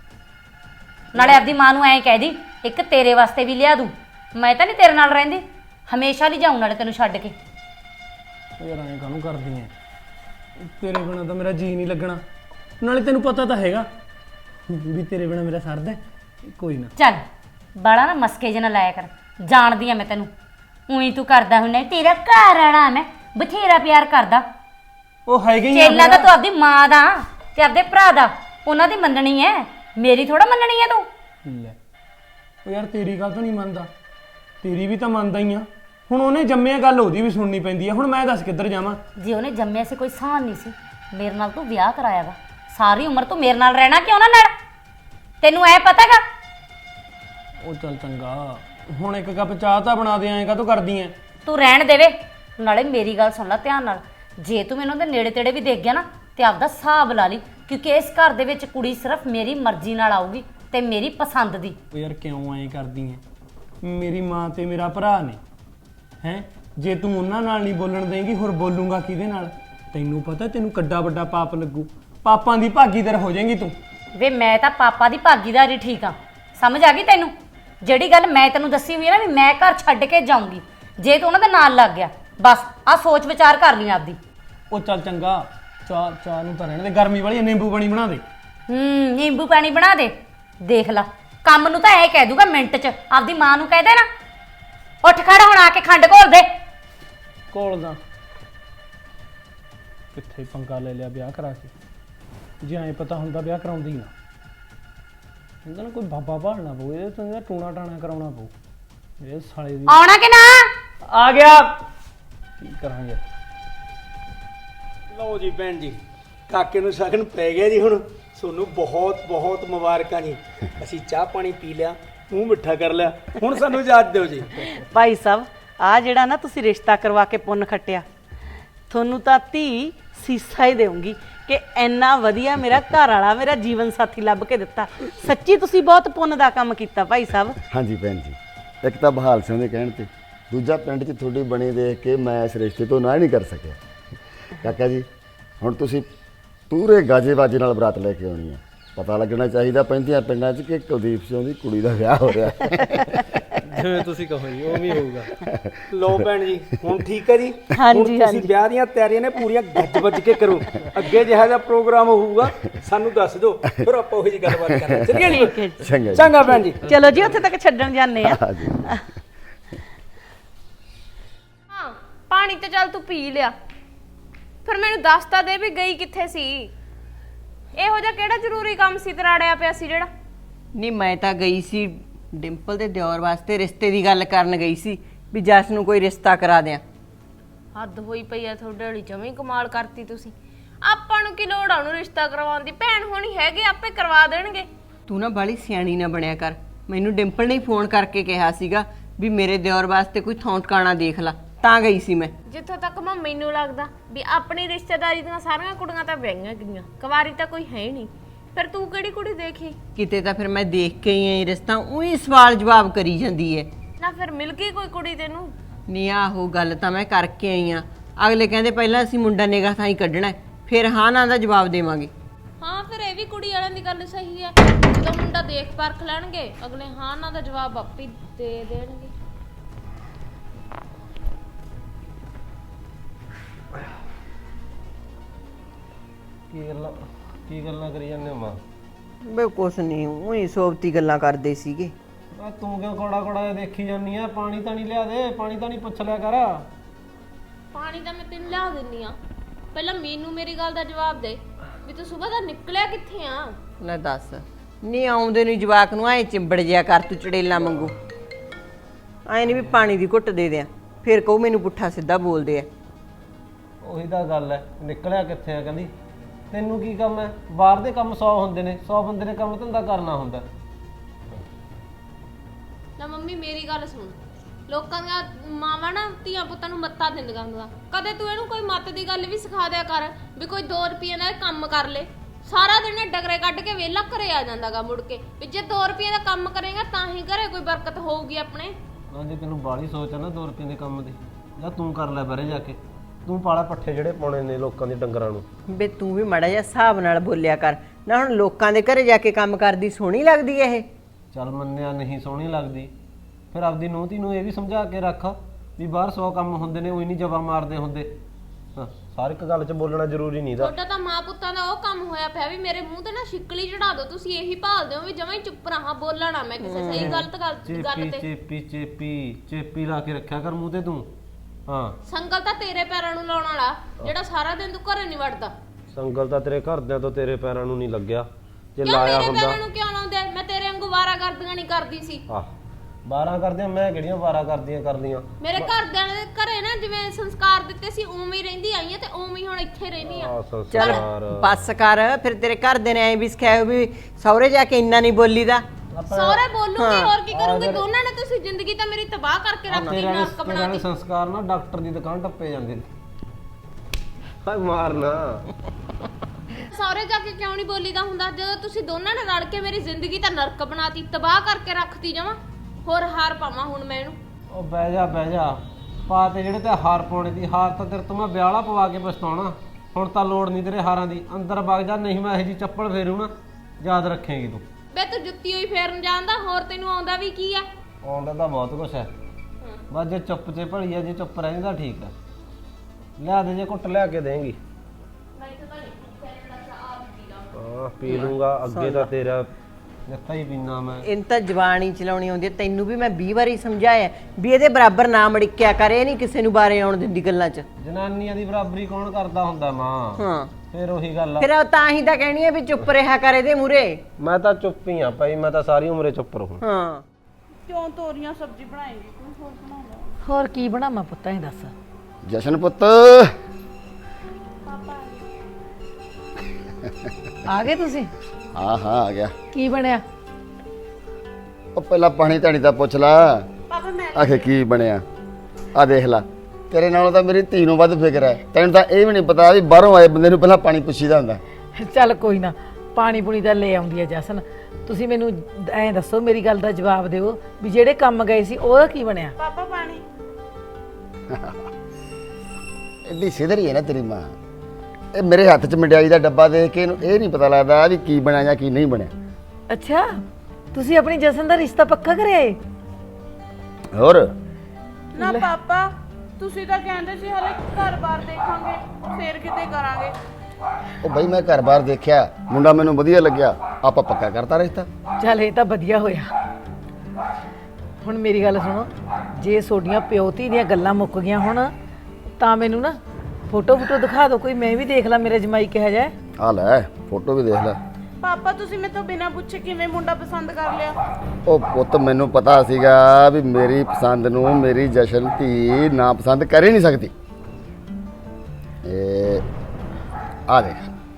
Speaker 1: ਨਾਲੇ ਆਪਦੀ ਮਾਂ ਨੂੰ ਐਂ ਕਹਿ ਦੀ ਇੱਕ ਤੇਰੇ ਵਾਸਤੇ ਵੀ ਲਿਆ ਦੂੰ, ਮੈਂ ਤਾਂ ਨਹੀਂ ਤੇਰੇ ਨਾਲ ਰਹਿੰਦੀ, ਹਮੇਸ਼ਾ ਲਈ ਜਾਊਂ ਨਾਲੇ ਤੈਨੂੰ ਛੱਡ ਕੇ।
Speaker 5: ਯਾਰ ਐਂ ਕਾਹਨੂੰ ਕਰਦੀ ਐ? ਤੇਰੇ ਬਿਨਾਂ ਤਾਂ ਮੇਰਾ ਜੀ ਨਹੀਂ ਲੱਗਣਾ। ਨਾਲੇ ਤੈਨੂੰ ਪਤਾ ਤਾਂ ਹੈਗਾ ਵੀ ਤੇਰੇ ਬਿਨਾਂ ਮੇਰਾ ਸਰਦਾ। ਕੋਈ ਨਾ
Speaker 1: ਚੱਲ ਬਾਲਾ ਨਾ ਮਸਕੇ ਜਿਹੇ ਨਾ ਲਾਇਆ ਕਰ, ਜਾਣਦੀ ਆ ਮੈਂ ਤੈਨੂੰ। ਉਹੀ ਤੂੰ ਕਰਦਾ ਹੁੰਨਾ ਤੇਰਾ ਘਰ ਆਣਾ, ਮੈਂ ਬਥੇਰਾ ਪਿਆਰ ਕਰਦਾ।
Speaker 5: ਉਹ ਹੈਗੇ ਹੀ
Speaker 1: ਚੇਲਾ ਤਾਂ ਤੂੰ ਆਪਦੀ ਮਾਂ ਦਾ ਤੇ ਆਪਦੇ ਭਰਾ ਦਾ, ਉਹਨਾਂ ਦੀ ਮੰਨਣੀ ਐ, ਮੇਰੀ ਥੋੜਾ ਮੰਨਣੀ ਐ ਤੂੰ।
Speaker 5: ਲੈ ਉਹ ਯਾਰ ਤੇਰੀ ਗੱਲ ਤਾਂ ਨਹੀਂ ਮੰਨਦਾ, ਤੇਰੀ ਵੀ ਤਾਂ ਮੰਨਦਾ ਹੀ ਆ। ਹੁਣ ਉਹਨੇ ਜੰਮਿਆ ਗੱਲ ਉਹਦੀ ਵੀ ਸੁਣਨੀ ਪੈਂਦੀ ਹੈ। ਹੁਣ ਮੈਂ ਦੱਸ ਕਿੱਧਰ ਜਾਵਾਂ?
Speaker 1: ਜੇ ਉਹਨੇ ਜੰਮਿਆ ਸੀ ਕੋਈ ਸਾਨ ਨਹੀਂ ਸੀ, ਮੇਰੇ ਨਾਲ ਤੂੰ ਵਿਆਹ ਕਰਾਇਆ ਵਾ, ਸਾਰੀ ਉਮਰ ਤੂੰ ਮੇਰੇ ਨਾਲ ਰਹਿਣਾ ਕਿਉਂ ਨਾ ਨਾਲ? ਤੈਨੂੰ ਐ ਪਤਾਗਾ?
Speaker 5: ਉਹ ਚੱਲ ਚੰਗਾ, ਹੁਣ ਇੱਕ ਕੱਪ ਚਾਹ ਤਾਂ ਬਣਾ ਦੇ, ਐਂ ਕਾਹਤੋਂ ਕਰਦੀ ਐ?
Speaker 1: ਤੂੰ ਰਹਿਣ ਦੇਵੇ। ਨਾਲੇ ਮੇਰੀ ਗੱਲ ਸੁਣ ਲੈ ਧਿਆਨ ਨਾਲ, ਜੇ ਤੂੰ ਮੈਨੂੰ ਉਹਦੇ ਨੇੜੇ ਤੇੜੇ ਵੀ ਦੇਖ ਗਿਆ ਨਾ ਤੇ ਆਪਦਾ ਹਿਸਾਬ ਲਾ ਲਈ, ਕਿਉਂਕਿ ਇਸ ਘਰ ਦੇ ਵਿੱਚ ਕੁੜੀ ਸਿਰਫ ਮੇਰੀ ਮਰਜ਼ੀ ਨਾਲ ਆਊਗੀ ਤੇ ਮੇਰੀ ਪਸੰਦ ਦੀ।
Speaker 5: ਉਹ ਯਾਰ ਕਿਉਂ ਐਂ ਕਰਦੀ ਐ? ਮੇਰੀ ਮਾਂ ਤੇ ਮੇਰਾ ਭਰਾ ਨੇ ਹੈ, ਜੇ ਤੂੰ ਉਹਨਾਂ ਨਾਲ ਨਹੀਂ ਬੋਲਣ ਦੇਂਗੀ ਹੋਰ ਬੋਲੂੰਗਾ ਕਿਹਦੇ ਨਾਲ? ਤੈਨੂੰ ਪਤਾ ਤੈਨੂੰ ਕੱਡਾ ਵੱਡਾ ਪਾਪ ਲੱਗੂ, ਪਾਪਾਂ ਦੀ ਭਾਗੀਦਾਰ ਹੋ ਜਾਏਂਗੀ ਤੂੰ।
Speaker 1: ਵੇ ਮੈਂ ਤਾਂ ਪਾਪਾ ਦੀ ਭਾਗੀਦਾਰੀ ਠੀਕ ਆ, ਸਮਝ ਆ ਗਈ ਤੈਨੂੰ? ਜਿਹੜੀ ਗੱਲ ਮੈਂ ਤੈਨੂੰ ਦੱਸੀ ਹੋਈ ਹੈ ਨਾ ਵੀ ਮੈਂ ਘਰ ਛੱਡ ਕੇ ਜਾਊਂਗੀ, ਜੇ ਤੂੰ ਉਹਨਾਂ ਦੇ ਨਾਲ ਲੱਗ ਗਿਆ ਬਸ ਆ ਸੋਚ ਵਿਚਾਰ ਕਰ ਲਈ ਆਪਦੀ।
Speaker 5: ਉਹ ਚੱਲ ਚੰਗਾ, ਚਾਹ ਚਾਹ ਨੂੰ ਤਾਂ ਰਹਿਣ ਦੇ, ਗਰਮੀ ਵਾਲੀ ਨਿੰਬੂ ਪਾਣੀ ਬਣਾ ਦੇ।
Speaker 1: ਹੂੰ ਨਿੰਬੂ ਪਾਣੀ ਬਣਾ ਦੇ। ਦੇਖ ਲਾ ਕੰਮ ਨੂੰ ਤਾਂ ਐ ਕਹਿ ਦੂਗਾ ਮਿੰਟ 'ਚ, ਆਪਦੀ ਮਾਂ ਨੂੰ ਕਹਿ ਦੇ ਨਾ ਉੱਠ ਖੜ ਹੁਣ ਆ ਕੇ ਖੰਡ ਘੋਲ ਦੇ।
Speaker 5: ਘੋਲਦਾ ਕਿੱਥੇ ਪੰਗਾ ਲੈ ਲਿਆ ਵਿਆਹ ਕਰਾ ਕੇ, ਜੇ ਐਂ ਪਤਾ ਹੁੰਦਾ ਵਿਆਹ ਕਰਾਉਂਦੀ ਨਾ। ਇਹਨਾਂ ਨੂੰ ਕੋਈ ਬਾਬਾ ਭਾਲਣਾ ਪਊ, ਇਹਦੇ ਤੋਂ ਇਹਦਾ ਟੂਣਾ ਟਾਣਾ ਕਰਾਉਣਾ ਪਊ ਇਹ ਸਾਲੇ ਦੀ।
Speaker 1: ਆਉਣਾ ਕਿ ਨਾ?
Speaker 5: ਆ ਗਿਆ, ਕੀ ਕਰਾਂਗੇ?
Speaker 6: ਲਓ ਜੀ ਭੈਣ ਜੀ, ਕਾਕੇ ਨੂੰ ਸ਼ਗਨ ਪੈ ਗਿਆ ਜੀ। ਹੁਣ ਤੁਹਾਨੂੰ ਬਹੁਤ ਬਹੁਤ ਮੁਬਾਰਕਾਂ ਜੀ। ਅਸੀਂ ਚਾਹ ਪਾਣੀ ਪੀ ਲਿਆ, ਮੂੰਹ ਮਿੱਠਾ ਕਰ ਲਿਆ, ਹੁਣ ਸਾਨੂੰ ਇਜਾਜ਼ਤ ਦਿਓ ਜੀ।
Speaker 8: ਭਾਈ ਸਾਹਿਬ, ਆ ਜਿਹੜਾ ਨਾ ਤੁਸੀਂ ਰਿਸ਼ਤਾ ਕਰਵਾ ਕੇ ਪੁੰਨ ਖੱਟਿਆ, ਤੁਹਾਨੂੰ ਤਾਂ ਧੀ ਸੀਸਾ ਹੀ ਦੇਵਾਂਗੀ ਕਿ ਇੰਨਾ ਵਧੀਆ ਮੇਰਾ ਘਰ ਵਾਲਾ, ਮੇਰਾ ਜੀਵਨ ਸਾਥੀ ਲੱਭ ਕੇ ਦਿੱਤਾ। ਸੱਚੀ ਤੁਸੀਂ ਬਹੁਤ ਪੁੰਨ ਦਾ ਕੰਮ ਕੀਤਾ ਭਾਈ ਸਾਹਿਬ।
Speaker 4: ਹਾਂਜੀ ਭੈਣ ਜੀ, ਇੱਕ ਤਾਂ ਬਹਾਲ ਸਿੰਘ ਦੇ ਕਹਿਣ ਤੇ, ਦੂਜਾ ਪਿੰਡ 'ਚ ਤੁਹਾਡੀ ਬਣੀ ਦੇਖ ਕੇ ਮੈਂ ਇਸ ਰਿਸ਼ਤੇ ਤੋਂ ਨਾ ਨਹੀਂ ਕਰ ਸਕਿਆ। ਕਾਕਾ ਜੀ, ਹੁਣ ਤੁਸੀਂ ਪੂਰੇ ਗਾਜੇ ਬਾਜੇ ਨਾਲ ਬਰਾਤ ਲੈ ਕੇ ਆਉਣੀ ਹੈ। ਪਤਾ ਲੱਗਣਾ ਚਾਹੀਦਾ ਪੈਂਦੀਆਂ ਪਿੰਡਾਂ 'ਚ ਕਿ ਕੁਲਦੀਪ ਸਿੰਘ ਦੀ ਕੁੜੀ ਦਾ ਵਿਆਹ ਹੋ ਰਿਹਾ।
Speaker 7: ਜਿਵੇਂ ਤੁਸੀਂ ਕਹੋ ਜੀ ਉਹ ਵੀ ਹੋਊਗਾ।
Speaker 6: ਲਓ ਭੈਣ ਜੀ, ਹੁਣ ਠੀਕ ਹੈ ਜੀ।
Speaker 8: ਹਾਂਜੀ,
Speaker 6: ਹੁਣ ਤੁਸੀਂ ਵਿਆਹ ਦੀਆਂ ਤਿਆਰੀਆਂ ਨੇ ਪੂਰੀਆਂ ਗੱਜ ਵੱਜ ਕੇ ਕਰੋ। ਅੱਗੇ ਜਿਹੜਾ ਜਿਹਾ ਪ੍ਰੋਗਰਾਮ ਹੋਊਗਾ ਸਾਨੂੰ ਦੱਸ ਦਿਓ, ਫਿਰ ਆਪਾਂ ਉਹੀ ਜੀ ਗੱਲਬਾਤ ਕਰਾਂਗੇ। ਚੱਲੀਏ ਜੀ?
Speaker 4: ਚੰਗਾ ਜੀ।
Speaker 6: ਚੰਗਾ ਭੈਣ ਜੀ।
Speaker 8: ਚਲੋ ਜੀ, ਉੱਥੇ ਤੱਕ ਛੱਡਣ ਜਾਂਦੇ ਆ।
Speaker 4: ਹਾਂਜੀ।
Speaker 2: ਹਾਂ ਪਾਣੀ ਤੇ ਚੱਲ ਤੂੰ ਪੀ ਲਿਆ, ਫਿਰ ਮੈਨੂੰ ਦੱਸ ਤਾਂ ਦੇ ਵੀ ਗਈ ਕਿੱਥੇ ਸੀ? ਇਹੋ ਜਿਹਾ ਕਿਹੜਾ ਜ਼ਰੂਰੀ ਕੰਮ ਸੀ ਤੇਰਾ ਅੜਿਆ ਪਿਆ ਸੀ ਜਿਹੜਾ?
Speaker 10: ਨਹੀਂ ਮੈਂ ਤਾਂ ਗਈ ਸੀ ਡਿੰਪਲ ਦੇ ਦਿਓਰ ਵਾਸਤੇ ਰਿਸ਼ਤੇ ਦੀ ਗੱਲ ਕਰਨ ਗਈ ਸੀ ਵੀ ਜਸ ਨੂੰ ਕੋਈ ਰਿਸ਼ਤਾ ਕਰਾ ਦਿਆਂ।
Speaker 2: ਹੱਦ ਹੋਈ ਪਈ ਆ ਤੁਹਾਡੇ ਵਾਲੀ, ਜਮੀ ਕਮਾਲ ਕਰਤੀ ਤੁਸੀਂ। ਆਪਾਂ ਨੂੰ ਕੀ ਲੋੜ ਆ ਉਹਨੂੰ ਰਿਸ਼ਤਾ ਕਰਵਾਉਣ ਦੀ? ਭੈਣ ਹੋਣੀ ਹੈਗੇ, ਆਪੇ ਕਰਵਾ ਦੇਣਗੇ।
Speaker 10: ਤੂੰ ਨਾ ਬਾਲੀ ਸਿਆਣੀ ਨਾ ਬਣਿਆ ਕਰ। ਮੈਨੂੰ ਡਿੰਪਲ ਨੇ ਫੋਨ ਕਰਕੇ ਕਿਹਾ ਸੀਗਾ ਵੀ ਮੇਰੇ ਦਿਓਰ ਵਾਸਤੇ ਕੋਈ ਥਾਂ ਟਿਕਾਣਾ ਦੇਖ ਲਾ, ਤਾਂ ਗਈ ਸੀ ਮੈਂ।
Speaker 2: ਜਿੱਥੋਂ ਤੱਕ ਮੈਂ ਮੈਨੂੰ ਲੱਗਦਾ ਵੀ ਆਪਣੀ ਰਿਸ਼ਤੇਦਾਰੀ ਦੀਆਂ ਸਾਰੀਆਂ ਕੁੜੀਆਂ ਤਾਂ ਵਿਆਹੀਆਂ ਗਈਆਂ, ਕੁਵਾਰੀ ਤਾਂ ਕੋਈ ਹੈ ਹੀ ਨਹੀਂ। ਫਿਰ ਤੂੰ ਕਿਹੜੀ ਕੁੜੀ ਦੇਖੀ?
Speaker 10: ਕਿਤੇ ਤਾਂ ਫਿਰ ਮੈਂ ਦੇਖ ਕੇ ਹੀ ਆਈ ਰਿਸ਼ਤਾ, ਉਹੀ ਸਵਾਲ ਜਵਾਬ ਕਰੀ ਜਾਂਦੀ ਹੈ
Speaker 2: ਨਾ ਫਿਰ ਮਿਲ ਗਈ ਕੋਈ ਕੁੜੀ ਤੈਨੂੰ?
Speaker 10: ਨਹੀਂ ਆਹੋ ਗੱਲ ਤਾਂ ਮੈਂ ਕਰਕੇ ਆਈ ਆ। ਅਗਲੇ ਕਹਿੰਦੇ ਪਹਿਲਾਂ ਅਸੀਂ ਮੁੰਡਾ ਨਿਗਾਹ ਥਾਂ ਹੀ ਕੱਢਣਾ, ਫਿਰ ਹਾਂ ਨਾ ਦਾ ਜਵਾਬ ਦੇਵਾਂਗੇ।
Speaker 2: ਹਾਂ ਫਿਰ ਇਹ ਵੀ ਕੁੜੀ ਵਾਲਿਆਂ ਦੀ ਗੱਲ ਸਹੀ ਹੈ, ਜਦੋਂ ਮੁੰਡਾ ਦੇਖ ਪਰਖ ਲੈਣਗੇ ਅਗਲੇ ਹਾਂ ਨਾ ਦਾ ਜਵਾਬ ਆਪੇ ਦੇ ਦੇਣਗੇ।
Speaker 7: ਕੀ ਗੱਲਾਂ ਕੀ ਗੱਲਾਂ ਕਰੀ ਜਾਂਦੇ ਹੋ ਮਾਂ?
Speaker 10: ਬੇ ਕੁਛ ਨਹੀਂ, ਉਹੀ ਸੋਬਤੀ ਗੱਲਾਂ ਕਰਦੇ ਸੀਗੇ।
Speaker 7: ਆ ਤੂੰ ਕਿਉਂ ਕੋੜਾ ਕੋੜਾ ਦੇਖੀ ਜਾਂਦੀ ਆ? ਪਾਣੀ ਤਾਂ ਨਹੀਂ ਲਿਆ ਦੇ, ਪਾਣੀ ਤਾਂ ਨਹੀਂ ਪੁੱਛ ਲਿਆ ਕਰ।
Speaker 2: ਪਾਣੀ ਤਾਂ ਮੈਂ ਤੈਨੂੰ ਲਿਆ ਦਿੰਨੀ ਆ, ਪਹਿਲਾਂ ਮੈਨੂੰ ਮੇਰੀ ਗੱਲ ਦਾ ਜਵਾਬ ਦੇ ਵੀ ਤੂੰ ਸਵੇਰ ਦਾ ਨਿਕਲਿਆ ਕਿੱਥੇ ਆ?
Speaker 10: ਲੈ ਦੱਸ, ਨਹੀਂ ਆਉਂਦੇ ਨੂੰ ਜਵਾਕ ਨੂੰ ਐ ਚਿੰਬੜ ਜਿਆ ਕਰ ਤੂੰ ਚੜੇਲਾ ਮੰਗੂ। ਐ ਨਹੀਂ ਵੀ ਪਾਣੀ ਦੀ ਘੁੱਟ ਦੇ ਦਿਆਂ, ਫਿਰ ਕਹੂ ਮੈਨੂੰ ਪੁੱਠਾ ਸਿੱਧਾ ਬੋਲਦੇ ਆ।
Speaker 7: ਉਹੀ ਤਾਂ ਗੱਲ ਹੈ, ਨਿਕਲਿਆ ਕਿੱਥੇ ਆ? ਕਹਿੰਦੀ ਤੈਨੂੰ ਕੀ ਕੰਮ ਹੈ? ਬਾਹਰ ਦੇ ਕੰਮ ਸੌ ਹੁੰਦੇ ਨੇ, ਸੌ ਬੰਦੇ ਨੇ ਕੰਮ ਧੰਦਾ ਕਰਨਾ ਹੁੰਦਾ।
Speaker 2: ਨਾ ਮੰਮੀ ਮੇਰੀ ਗੱਲ ਸੁਣ, ਲੋਕਾਂ ਦੀਆਂ ਮਾਵਾਂ ਨਾ ਧੀਆਂ ਪੁੱਤਾਂ ਨੂੰ ਮੱਤਾਂ ਦਿੰਦੀਆਂ ਹੁੰਦੀਆਂ, ਕਦੇ ਤੂੰ ਇਹਨੂੰ ਕੋਈ ਮੱਤ ਦੀ ਗੱਲ ਵੀ ਸਿਖਾ ਦਿਆ ਕਰ ਵੀ ਕੋਈ ਦੋ ਰੁਪਏ ਦਾ ਕੰਮ ਕਰ ਲੈ। ਸਾਰਾ ਦਿਨ ਇਹ ਡਗਰੇ ਕੱਢ ਕੇ ਵਿਹਲਾ ਘਰੇ ਆ ਜਾਂਦਾਗਾ ਮੁੜ ਕੇ, ਵੀ ਜੇ ਦੋ ਰੁਪਏ ਦਾ ਕੰਮ ਕਰੇਗਾ ਤਾਂ ਹੀ ਘਰੇ ਕੋਈ ਬਰਕਤ ਹੋਊਗੀ ਆਪਣੇ।
Speaker 7: ਨਾ ਜੇ ਤੈਨੂੰ ਬਾਹਲੀ ਸੋਚ ਆ ਨਾ ਦੋ ਰੁਪਏ ਦੇ ਕੰਮ ਦੀ, ਜਾਂ ਤੂੰ ਕਰ ਲੈ ਬਾਹਰੇ ਜਾ ਕੇ, ਤੂੰ ਪਾਲਾ ਪੱਠੇ ਜਿਹੜੇ ਪਾਉਣੇ ਨੇ ਲੋਕਾਂ ਦੇ ਡੰਗਰਾਂ ਨੂੰ।
Speaker 10: ਬੇ ਤੂੰ ਵੀ ਮਾੜਾ ਜਿਹਾ ਹਿਸਾਬ ਨਾਲ ਬੋਲਿਆ ਕਰ ਨਾ। ਹੁਣ ਲੋਕਾਂ ਦੇ ਘਰੇ ਜਾ ਕੇ ਕੰਮ ਕਰਦੀ ਸੋਹਣੀ ਲੱਗਦੀ ਇਹ?
Speaker 7: ਚੱਲ ਮੰਨਿਆ ਨਹੀਂ ਸੋਹਣੀ ਲੱਗਦੀ, ਫਿਰ ਆਪਦੀ ਨੂੰਹ ਧੀ ਨੂੰ ਇਹ ਵੀ ਸਮਝਾ ਕੇ ਰੱਖ ਵੀ ਬਾਹਰ ਸੌ ਕੰਮ ਹੁੰਦੇ ਨੇ, ਉਹੀ ਨਹੀਂ ਜਵਾ ਮਾਰਦੇ ਹੁੰਦੇ। ਹਾਂ, ਹਰ ਇੱਕ ਗੱਲ 'ਚ ਬੋਲਣਾ ਜ਼ਰੂਰੀ ਨਹੀਂ ਦਾ।
Speaker 2: ਤੁਹਾਡਾ ਤਾਂ ਮਾਂ ਪੁੱਤਾਂ ਦਾ ਉਹ ਕੰਮ ਹੋਇਆ ਪਿਆ ਵੀ ਮੇਰੇ ਮੂੰਹ ਤੇ ਨਾ ਸ਼ਿਕਲੀ ਚੜਾ ਦਿਓ, ਤੁਸੀਂ ਇਹੀ ਭਾਲਦੇ ਹੋ ਵੀ ਜਮਾਂ ਹੀ ਚੁੱਪ ਰਹਾ, ਬੋਲਣਾ ਮੈਂ ਕਿਸੇ ਸਹੀ ਗਲਤ ਗੱਲ ਗੱਲ
Speaker 7: ਚੇਪੀ
Speaker 2: ਤੇ।
Speaker 7: ਚੇਪੀ ਚੇਪੀ ਚੇਪੀ ਲਾ ਕੇ ਰੱਖਿਆ ਕਰ ਮੂੰਹ ਤੇ ਤੂੰ। ਹਾਂ,
Speaker 2: ਸੰਗਲ ਤਾਂ ਤੇਰੇ ਪੈਰਾਂ ਨੂੰ ਲਾਉਣ ਵਾਲਾ ਜਿਹੜਾ ਸਾਰਾ ਦਿਨ ਤੂੰ ਘਰੇ ਨਹੀਂ ਵੜਦਾ।
Speaker 7: ਸੰਗਲ ਤਾਂ ਤੇਰੇ ਘਰਦਿਆਂ ਤੋਂ ਤੇਰੇ ਪੈਰਾਂ ਨੂੰ ਨਹੀਂ ਲੱਗਿਆ, ਜੇ
Speaker 2: ਕਿਉਂ
Speaker 7: ਲਾਇਆ
Speaker 2: ਮੇਰੇ
Speaker 7: ਹੁੰਦਾ।
Speaker 2: ਪੈਰਾਂ ਨੂੰ ਕਿਉਂ ਲਾਉਂਦੇ? ਮੈਂ ਤੇਰੇ ਵਾਂਗੂ ਵਾਰਾ ਕਰਦੀਆਂ ਨਹੀਂ ਕਰਦੀ ਸੀ।
Speaker 7: ਆਹ ਬਾਰਾਂ ਕਰਦੀਆਂ ਮੈਂ ਕਿਹੜੀਆਂ ਬਾਰਾਂ ਕਰਦੀਆਂ ਕਰਦੀਆਂ
Speaker 2: ਮੇਰੇ ਘਰਦਿਆਂ ਦੇ ਘਰੇ ਨਾ ਜਿਵੇਂ ਸੰਸਕਾਰ ਦਿੱਤੇ ਸੀ ਉਵੇਂ ਹੀ ਰਹਿੰਦੀ ਆਈ ਆ ਤੇ ਉਵੇਂ ਹੀ ਹੁਣ ਇੱਥੇ ਰਹਿੰਦੀ ਆ।
Speaker 7: ਆ
Speaker 10: ਚੱਲ
Speaker 7: ਸੰਸਕਾਰ
Speaker 10: ਬੱਸ ਕਰ, ਫਿਰ ਤੇਰੇ ਘਰ ਦੇ ਨੇ ਐ ਵੀ ਸਿਖਾਇਆ ਵੀ ਸਹੁਰੇ ਜਾ ਕੇ ਇੰਨਾ ਨਹੀਂ ਬੋਲੀਦਾ।
Speaker 2: ਸਹੁਰੇ ਬੋਲੂਗੀ ਹੋਰ ਕੀ ਕਰੂੰਗੀ? ਦੋਨਾਂ ਨੇ ਤੁਸੀਂ ਜ਼ਿੰਦਗੀ ਤਾਂ ਮੇਰੀ ਤਬਾਹ ਕਰਕੇ ਰੱਖਤੀ,
Speaker 7: ਤੇਰੇ
Speaker 2: ਨਰਕ
Speaker 7: ਤੇਰੇ
Speaker 2: ਬਣਾਤੀ।
Speaker 7: ਸੰਸਕਾਰ ਨਾ ਡਾਕਟਰ ਦੀ ਦੁਕਾਨ ਟੱਪੇ ਜਾਂਦੇ ਨੇ। ਹਾਏ ਮਾਰਨਾ
Speaker 2: ਸਹੁਰੇ ਜਾ ਕੇ ਕਿਉਂ ਨਹੀਂ ਬੋਲੀਦਾ ਹੁੰਦਾ ਜਦੋਂ ਤੁਸੀਂ ਦੋਨਾਂ ਨੇ ਰਲ ਕੇ ਮੇਰੀ ਜ਼ਿੰਦਗੀ ਤਾਂ ਨਰਕ ਬਣਾਤੀ, ਤਬਾਹ ਕਰਕੇ ਰੱਖਤੀ ਜਮਾਂ। ਹੋਰ ਹਾਰ ਪਾਵਾਂ ਹੁਣ ਮੈਂ ਇਹਨੂੰ?
Speaker 7: ਉਹ ਬਹਿ ਜਾ ਬਹਿ ਜਾ ਪਾ ਤੇ ਜਿਹੜੇ ਤੇ ਹਾਰ ਪਾਉਣੇ ਦੀ ਹਾਰ ਤਾਂ ਤੇਰੇ ਤੋਂ ਮੈਂ ਵਿਆਹਲਾ ਪਵਾ ਕੇ ਪਛਤਾਉਣਾ। ਹੁਣ ਤਾਂ ਲੋੜ ਨਹੀਂ ਤੇਰੇ ਹਾਰਾਂ ਦੀ, ਅੰਦਰ ਵਗ ਜਾ ਨਹੀਂ ਮੈਂ ਇਹੋ ਜੀ ਚੱਪਲ ਫੇਰੂ ਨਾ, ਯਾਦ ਰੱਖੇਂਗੀ ਤੂੰ।
Speaker 2: ਬੇ ਤੂੰ ਜੁੱਤੀ ਹੋਈ ਫੇਰਨ ਜਾਂਦਾ, ਹੋਰ ਤੈਨੂੰ ਆਉਂਦਾ ਵੀ ਕੀ ਆ?
Speaker 7: ਆਉਂਦਾ ਤਾਂ ਬਹੁਤ ਕੁਛ ਹੈ, ਬਸ ਜੇ ਚੁੱਪ ਚ ਭਲੀ ਆ, ਜੇ ਚੁੱਪ ਰਹਿੰਦਾ ਠੀਕ ਹੈ। ਲਿਆ ਦੇ ਜੇ ਘੁੱਟ ਲਿਆ ਕੇ ਦੇਂਗੀ। ਹਾਂ ਪੀ ਲੂੰਗਾ, ਅੱਗੇ ਤਾਂ ਤੇਰਾ ਜੱਤਾ ਹੀ ਪੀਣਾ ਮੈਂ।
Speaker 10: ਇਹਨੂੰ ਤਾਂ ਜਵਾਨੀ ਚਲਾਉਣੀ ਆਉਂਦੀ ਹੈ, ਤੈਨੂੰ ਵੀ ਮੈਂ ਵੀਹ ਵਾਰੀ ਸਮਝਾਇਆ ਵੀ ਇਹਦੇ ਬਰਾਬਰ ਨਾ ਮੜਿੱਕਿਆ ਕਰ, ਇਹ ਨਹੀਂ ਕਿਸੇ ਨੂੰ ਬਾਰੇ ਆਉਣ ਦਿੰਦੀ ਗੱਲਾਂ 'ਚ।
Speaker 7: ਜਨਾਨੀਆਂ ਦੀ ਬਰਾਬਰੀ ਕੌਣ ਕਰਦਾ ਹੁੰਦਾ ਮਾਂ?
Speaker 10: ਹਾਂ
Speaker 7: ਫੇਰ ਉਹੀ ਗੱਲ ਆ।
Speaker 10: ਫਿਰ ਉਹ ਤਾਂ ਹੀ ਤਾਂ ਕਹਿਣੀ ਹੈ ਵੀ ਚੁੱਪ ਰਿਹਾ ਕਰ ਇਹਦੇ ਮੂਰੇ।
Speaker 7: ਮੈਂ ਤਾਂ ਚੁੱਪ ਹੀ ਆ ਭਾਈ, ਮੈਂ ਤਾਂ ਸਾਰੀ ਉਮਰੇ ਚੁੱਪ ਰਹੂੰ।
Speaker 10: ਹਾਂ
Speaker 9: ਕਿਉਂ ਤੋਰੀਆਂ ਸਬਜ਼ੀ ਬਣਾਏਗੀ? ਕੋਈ ਹੋਰ ਬਣਾਉਂਦਾ।
Speaker 8: ਹੋਰ ਕੀ ਬਣਾਵਾਂ ਪੁੱਤਾਂ ਇਹ ਦੱਸ।
Speaker 4: ਜਸ਼ਨ ਪੁੱਤ
Speaker 8: ਆ ਗਏ ਤੁਸੀਂ?
Speaker 4: ਹਾਂ ਹਾਂ ਆ ਗਿਆ।
Speaker 8: ਕੀ ਬਣਿਆ?
Speaker 4: ਉਹ ਪਹਿਲਾਂ ਪਾਣੀ ਧਾਣੀ ਦਾ ਪੁੱਛ ਲਾ।
Speaker 9: ਪਾਪਾ ਮੈਂ
Speaker 4: ਆਖੇ ਕੀ ਬਣਿਆ? ਆ ਦੇਖ ਲਾ, ਤੇਰੇ ਨਾਲੋਂ ਤਾਂ ਮੇਰੀ ਧੀ ਨੂੰ ਵੱਧ ਫਿਕਰ ਹੈ। ਤੈਨੂੰ ਤਾਂ ਇਹ ਵੀ ਨਹੀਂ ਪਤਾ ਵੀ ਬਾਹਰੋਂ ਆਏ ਬੰਦੇ ਨੂੰ ਪਹਿਲਾਂ ਪਾਣੀ ਪੁੱਛੀਦਾ ਹੁੰਦਾ।
Speaker 8: ਚੱਲ ਕੋਈ ਨਾ, ਪਾਣੀ ਪੂਣੀ ਤਾਂ ਲੈ ਆਉਂਦੀ ਹੈ ਜਸਨ। ਤੁਸੀਂ ਮੈਨੂੰ ਐਂ ਦੱਸੋ, ਮੇਰੀ ਗੱਲ ਦਾ ਜਵਾਬ ਦਿਓ ਵੀ ਜਿਹੜੇ ਕੰਮ ਗਏ ਸੀ ਉਹਦਾ ਕੀ ਬਣਿਆ?
Speaker 9: ਪਾਪਾ ਪਾਣੀ।
Speaker 4: ਐਡੀ ਸਿੱਧਰੀ ਹੈ ਨਾ ਤੇਰੀ ਮਾਂ। ਇਹ ਮੇਰੇ ਹੱਥ 'ਚ ਮਠਿਆਈ ਦਾ ਡੱਬਾ ਦੇਖ ਕੇ ਇਹਨੂੰ ਇਹ ਨਹੀਂ ਪਤਾ ਲੱਗਦਾ ਵੀ ਕੀ ਬਣਿਆ ਜਾਂ ਕੀ ਨਹੀਂ ਬਣਿਆ।
Speaker 8: ਅੱਛਾ, ਤੁਸੀਂ ਆਪਣੀ ਜਸਨ ਦਾ ਰਿਸ਼ਤਾ ਪੱਕਾ ਕਰਿਆ ਏ?
Speaker 4: ਹੋਰ
Speaker 9: ਨਾ ਪਾਪਾ, ਤੁਸੀਂ ਤਾਂ ਕਹਿੰਦੇ ਸੀ ਹਲੇ ਘਰ-ਬਾਰ ਦੇਖਾਂਗੇ, ਫੇਰ ਕਿਤੇ ਕਰਾਂਗੇ।
Speaker 4: ਉਹ ਬਈ ਮੈਂ ਘਰ-ਬਾਰ ਦੇਖਿਆ, ਮੁੰਡਾ ਮੈਨੂੰ ਵਧੀਆ ਲੱਗਿਆ, ਆਪਾਂ ਪੱਕਾ ਕਰਤਾ ਰਿਸ਼ਤਾ।
Speaker 8: ਚੱਲ ਇਹ ਤਾਂ ਵਧੀਆ ਹੋਇਆ। ਹੁਣ ਮੇਰੀ ਗੱਲ ਸੁਣੋ, ਜੇ ਤੁਹਾਡੀਆਂ ਪਿਓ ਧੀ ਦੀਆਂ ਗੱਲਾਂ ਮੁੱਕ ਗਈਆਂ ਹੁਣ ਤਾਂ ਮੈਨੂੰ ਨਾ ਫੋਟੋ ਫੋਟੋ ਦਿਖਾ ਦਿਓ ਕੋਈ, ਮੈਂ ਵੀ ਦੇਖ ਲਾਂ ਮੇਰਾ ਜਮਾਈ ਕਿਹਾ ਜਾਏ।
Speaker 4: ਆ ਲੈ ਫੋਟੋ ਵੀ ਦੇਖ ਲੈ।
Speaker 9: ਪਾਪਾ ਤੁਸੀਂ ਮੈਥੋਂ ਬਿਨਾਂ ਪੁੱਛੇ ਕਿਵੇਂ ਮੁੰਡਾ ਪਸੰਦ ਕਰ ਲਿਆ?
Speaker 4: ਉਹ ਪੁੱਤ ਮੈਨੂੰ ਪਤਾ ਸੀਗਾ ਵੀ ਮੇਰੀ ਪਸੰਦ ਨੂੰ ਮੇਰੀ ਜਸ਼ਨ ਧੀ ਨਾ ਪਸੰਦ ਕਰ ਹੀ ਨਹੀਂ ਸਕਦੀ। ਇਹ ਆ ਦੇਖ,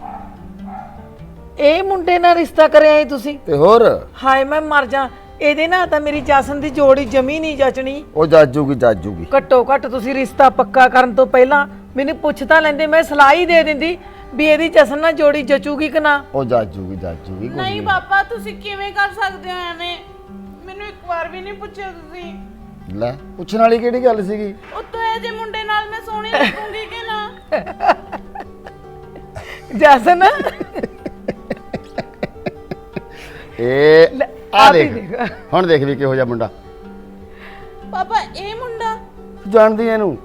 Speaker 8: ਇਹ ਮੁੰਡੇ ਨਾਲ ਰਿਸ਼ਤਾ ਕਰਿਆ ਏ ਤੁਸੀਂ?
Speaker 4: ਤੇ ਹੋਰ
Speaker 8: ਹਾਏ ਮੈਂ ਮਰ ਜਾ, ਇਹਦੇ ਨਾਲ ਤਾਂ ਮੇਰੀ ਜਸਨ ਦੀ ਜੋੜੀ ਜਮੀ ਨਹੀਂ ਜਚਣੀ।
Speaker 4: ਉਹ ਜਾਜੂਗੀ ਜਾਜੂਗੀ।
Speaker 8: ਘੱਟੋ ਘੱਟ ਤੁਸੀਂ ਰਿਸ਼ਤਾ ਪੱਕਾ ਕਰਨ ਤੋਂ ਪਹਿਲਾਂ ਮੈਨੂੰ ਪੁੱਛ ਤਾਂ ਲੈਂਦੇ, ਮੈਂ ਸਲਾਹ ਹੀ ਦੇ ਦਿੰਦੀ ਵੀ ਇਹਦੀ ਜਸਨ ਨਾਲ ਜੋੜੀ ਜਚੂਗੀ ਕਿ ਨਾ।
Speaker 4: ਉਹ ਜਾਜੂਗੀ ਜਾਜੂਗੀ। ਕੋਈ
Speaker 9: ਨਹੀਂ ਪਾਪਾ, ਤੁਸੀਂ ਕਿਵੇਂ ਕਰ ਸਕਦੇ ਹੋ ਐਵੇਂ? ਮੈਨੂੰ ਇੱਕ ਵਾਰ ਵੀ ਨਹੀਂ ਪੁੱਛਿਆ ਤੁਸੀਂ।
Speaker 4: ਲੈ ਪੁੱਛਣ ਵਾਲੀ ਕਿਹੜੀ ਗੱਲ ਸੀਗੀ?
Speaker 9: ਉੱਤੋਂ ਇਹ ਜੇ ਮੁੰਡੇ ਨਾਲ ਮੈਂ ਸੋਹਣੀ ਲੱਗੂੰਗੀ ਕਿ ਨਾ?
Speaker 8: ਜਸਨ
Speaker 4: ਇਹ ਆ ਦੇਖ, ਹੁਣ ਦੇਖ ਵੀ ਕਿਹੋ ਜਿਹਾ ਮੁੰਡਾ।
Speaker 9: ਪਾਪਾ ਇਹ ਮੁੰਡਾ
Speaker 4: ਜਾਣਦੀ ਇਹਨੂੰ?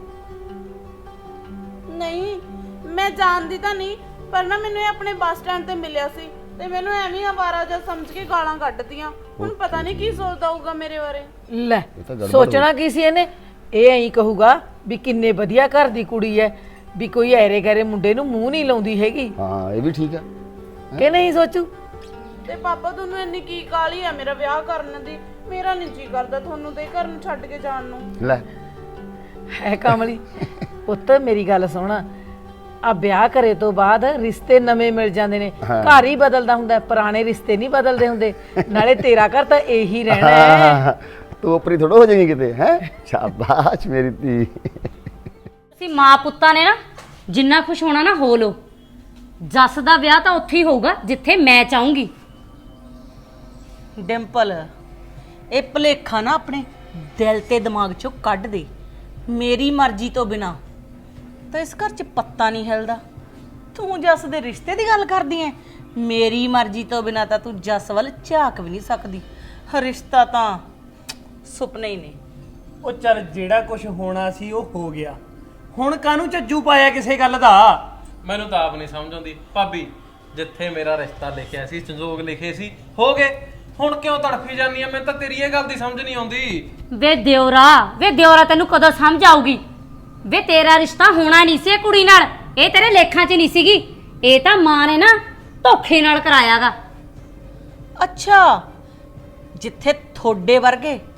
Speaker 9: ਨਹੀਂ, ਮੈਂ ਜਾਣਦੀ ਤਾਂ ਨਹੀਂ, ਪਰ ਨਾ ਮੈਨੂੰ ਇਹ ਆਪਣੇ ਬੱਸ ਸਟੈਂਡ ਤੇ ਮਿਲਿਆ ਸੀ ਤੇ ਮੈਨੂੰ ਐਵੇਂ ਆਵਾਰਾ ਜਿਹਾ ਸਮਝ ਕੇ ਗਾਲਾਂ ਕੱਢਦੀਆਂ। ਹੁਣ ਪਤਾ ਨਹੀਂ ਕੀ ਸੋਚਦਾ ਹੋਊਗਾ ਮੇਰੇ ਬਾਰੇ।
Speaker 8: ਲੈ ਸੋਚਣਾ ਕੀ ਸੀ ਇਹਨੇ? ਇਹ ਐਂ ਕਹੂਗਾ ਵੀ ਕਿੰਨੇ ਵਧੀਆ ਘਰ ਦੀ ਕੁੜੀ ਐ, ਵੀ ਕੋਈ ਐਰੇ ਗੈਰੇ ਮੁੰਡੇ ਨੂੰ ਮੂੰਹ ਨਹੀਂ ਲਾਉਂਦੀ ਹੈਗੀ।
Speaker 4: ਹਾਂ ਇਹ ਵੀ ਠੀਕ ਆ
Speaker 8: ਕਿ ਨਹੀਂ ਸੋਚੂ?
Speaker 9: ਤੇ ਪਾਪਾ ਤੁਹਾਨੂੰ ਇੰਨੀ ਕੀ ਕਾਹਲੀ ਆ ਮੇਰਾ ਵਿਆਹ ਕਰਨ ਦੀ? ਮੇਰਾ ਨਹੀਂ ਜੀ ਕਰਦਾ ਤੁਹਾਨੂੰ ਤੇ ਘਰ ਨੂੰ ਛੱਡ ਕੇ ਜਾਣ ਨੂੰ।
Speaker 4: ਲੈ
Speaker 8: ਹੈ ਕਮਲੀ ਪੁੱਤ, ਮੇਰੀ ਗੱਲ ਸੁਣ, ਆ ਵਿਆਹ ਕਰੇ ਤੋਂ ਬਾਅਦ ਰਿਸ਼ਤੇ ਨਵੇਂ ਮਿਲ ਜਾਂਦੇ ਨੇ, ਘਰ ਹੀ ਬਦਲਦਾ ਹੁੰਦਾ, ਪੁਰਾਣੇ ਰਿਸ਼ਤੇ ਨਹੀਂ ਬਦਲਦੇ ਹੁੰਦੇ। ਨਾਲੇ ਤੇਰਾ ਘਰ ਤਾਂ ਇਹੀ ਰਹਿਣਾ ਹੈ।
Speaker 4: ਤੂੰ ਉਪਰੀ ਥੋੜਾ ਹੋ ਜਾਏਗੀ ਕਿਤੇ। ਹੈ ਸ਼ਾਬਾਸ਼ ਮੇਰੀ ਧੀ।
Speaker 1: ਤੁਸੀਂ ਮਾਂ ਪੁੱਤਾਂ ਨੇ ਨਾ ਜਿੰਨਾ ਖੁਸ਼ ਹੋਣਾ ਨਾ ਹੋ ਲੋ। ਜੱਸ ਦਾ ਵਿਆਹ ਤਾਂ ਉੱਥੇ ਹੀ ਹੋਊਗਾ ਜਿੱਥੇ ਮੈਂ ਚਾਹੂੰਗੀ।
Speaker 3: ਡਿੰਪਲ, ਇਹ ਭੁਲੇਖਾ ਨਾ ਆਪਣੇ ਦਿਲ ਤੇ ਦਿਮਾਗ ਚੋਂ ਕੱਢ ਦੇ। ਮੇਰੀ ਮਰਜ਼ੀ ਤੋਂ ਬਿਨਾ ਤਾਂ ਇਸ ਘਰ 'ਚ ਪੱਤਾ ਨਹੀਂ ਹਿਲਦਾ। ਤੂੰ ਜੱਸ ਦੇ ਰਿਸ਼ਤੇ ਦੀ ਗੱਲ ਕਰਦੀ ਐ? ਮੇਰੀ ਮਰਜ਼ੀ ਤੋਂ ਬਿਨਾ ਤਾਂ ਤੂੰ ਜੱਸ ਵੱਲ ਝਾਕ ਵੀ ਨਹੀਂ ਸਕਦੀ। ਰਿਸ਼ਤਾ ਤਾਂ ਸੁਪਨੇ ਹੀ ਨੇ।
Speaker 5: ਉਹ ਚੱਲ ਜਿਹੜਾ ਕੁਝ ਹੋਣਾ ਸੀ ਉਹ ਹੋ ਗਿਆ, ਹੁਣ ਕਾਹਨੂੰ ਝੱਜੂ ਪਾਇਆ ਕਿਸੇ ਗੱਲ ਦਾ?
Speaker 7: ਮੈਨੂੰ ਤਾਂ ਆਪ ਨਹੀਂ ਸਮਝ ਆਉਂਦੀ ਭਾਬੀ, ਜਿੱਥੇ ਮੇਰਾ ਰਿਸ਼ਤਾ ਲਿਖਿਆ ਸੀ, ਸੰਜੋਗ ਲਿਖੇ ਸੀ, ਹੋ ਗਏ, ਹੁਣ ਕਿਉਂ ਤੜਫੀ ਜਾਂਦੀ ਆ? ਮੈਨੂੰ ਤਾਂ ਤੇਰੀ ਇਹ ਗੱਲ ਦੀ ਸਮਝ ਨਹੀਂ ਆਉਂਦੀ।
Speaker 1: ਵੇ ਦਿਉਰਾ, ਵੇ ਦਿਉਰਾ ਤੈਨੂੰ ਕਦੋਂ ਸਮਝ ਆਊਗੀ? ਵੇ ਤੇਰਾ ਰਿਸ਼ਤਾ ਹੋਣਾ ਨਹੀਂ ਸੀ ਇਹ ਕੁੜੀ ਨਾਲ, ਇਹ ਤੇਰੇ ਲੇਖਾਂ 'ਚ ਨਹੀਂ ਸੀਗੀ। ਇਹ ਤਾਂ ਮਾਂ ਨੇ ਨਾ ਧੋਖੇ ਨਾਲ ਕਰਾਇਆਗਾ।
Speaker 3: ਅੱਛਾ, ਜਿੱਥੇ ਥੋੜੇ ਵਰਗੇ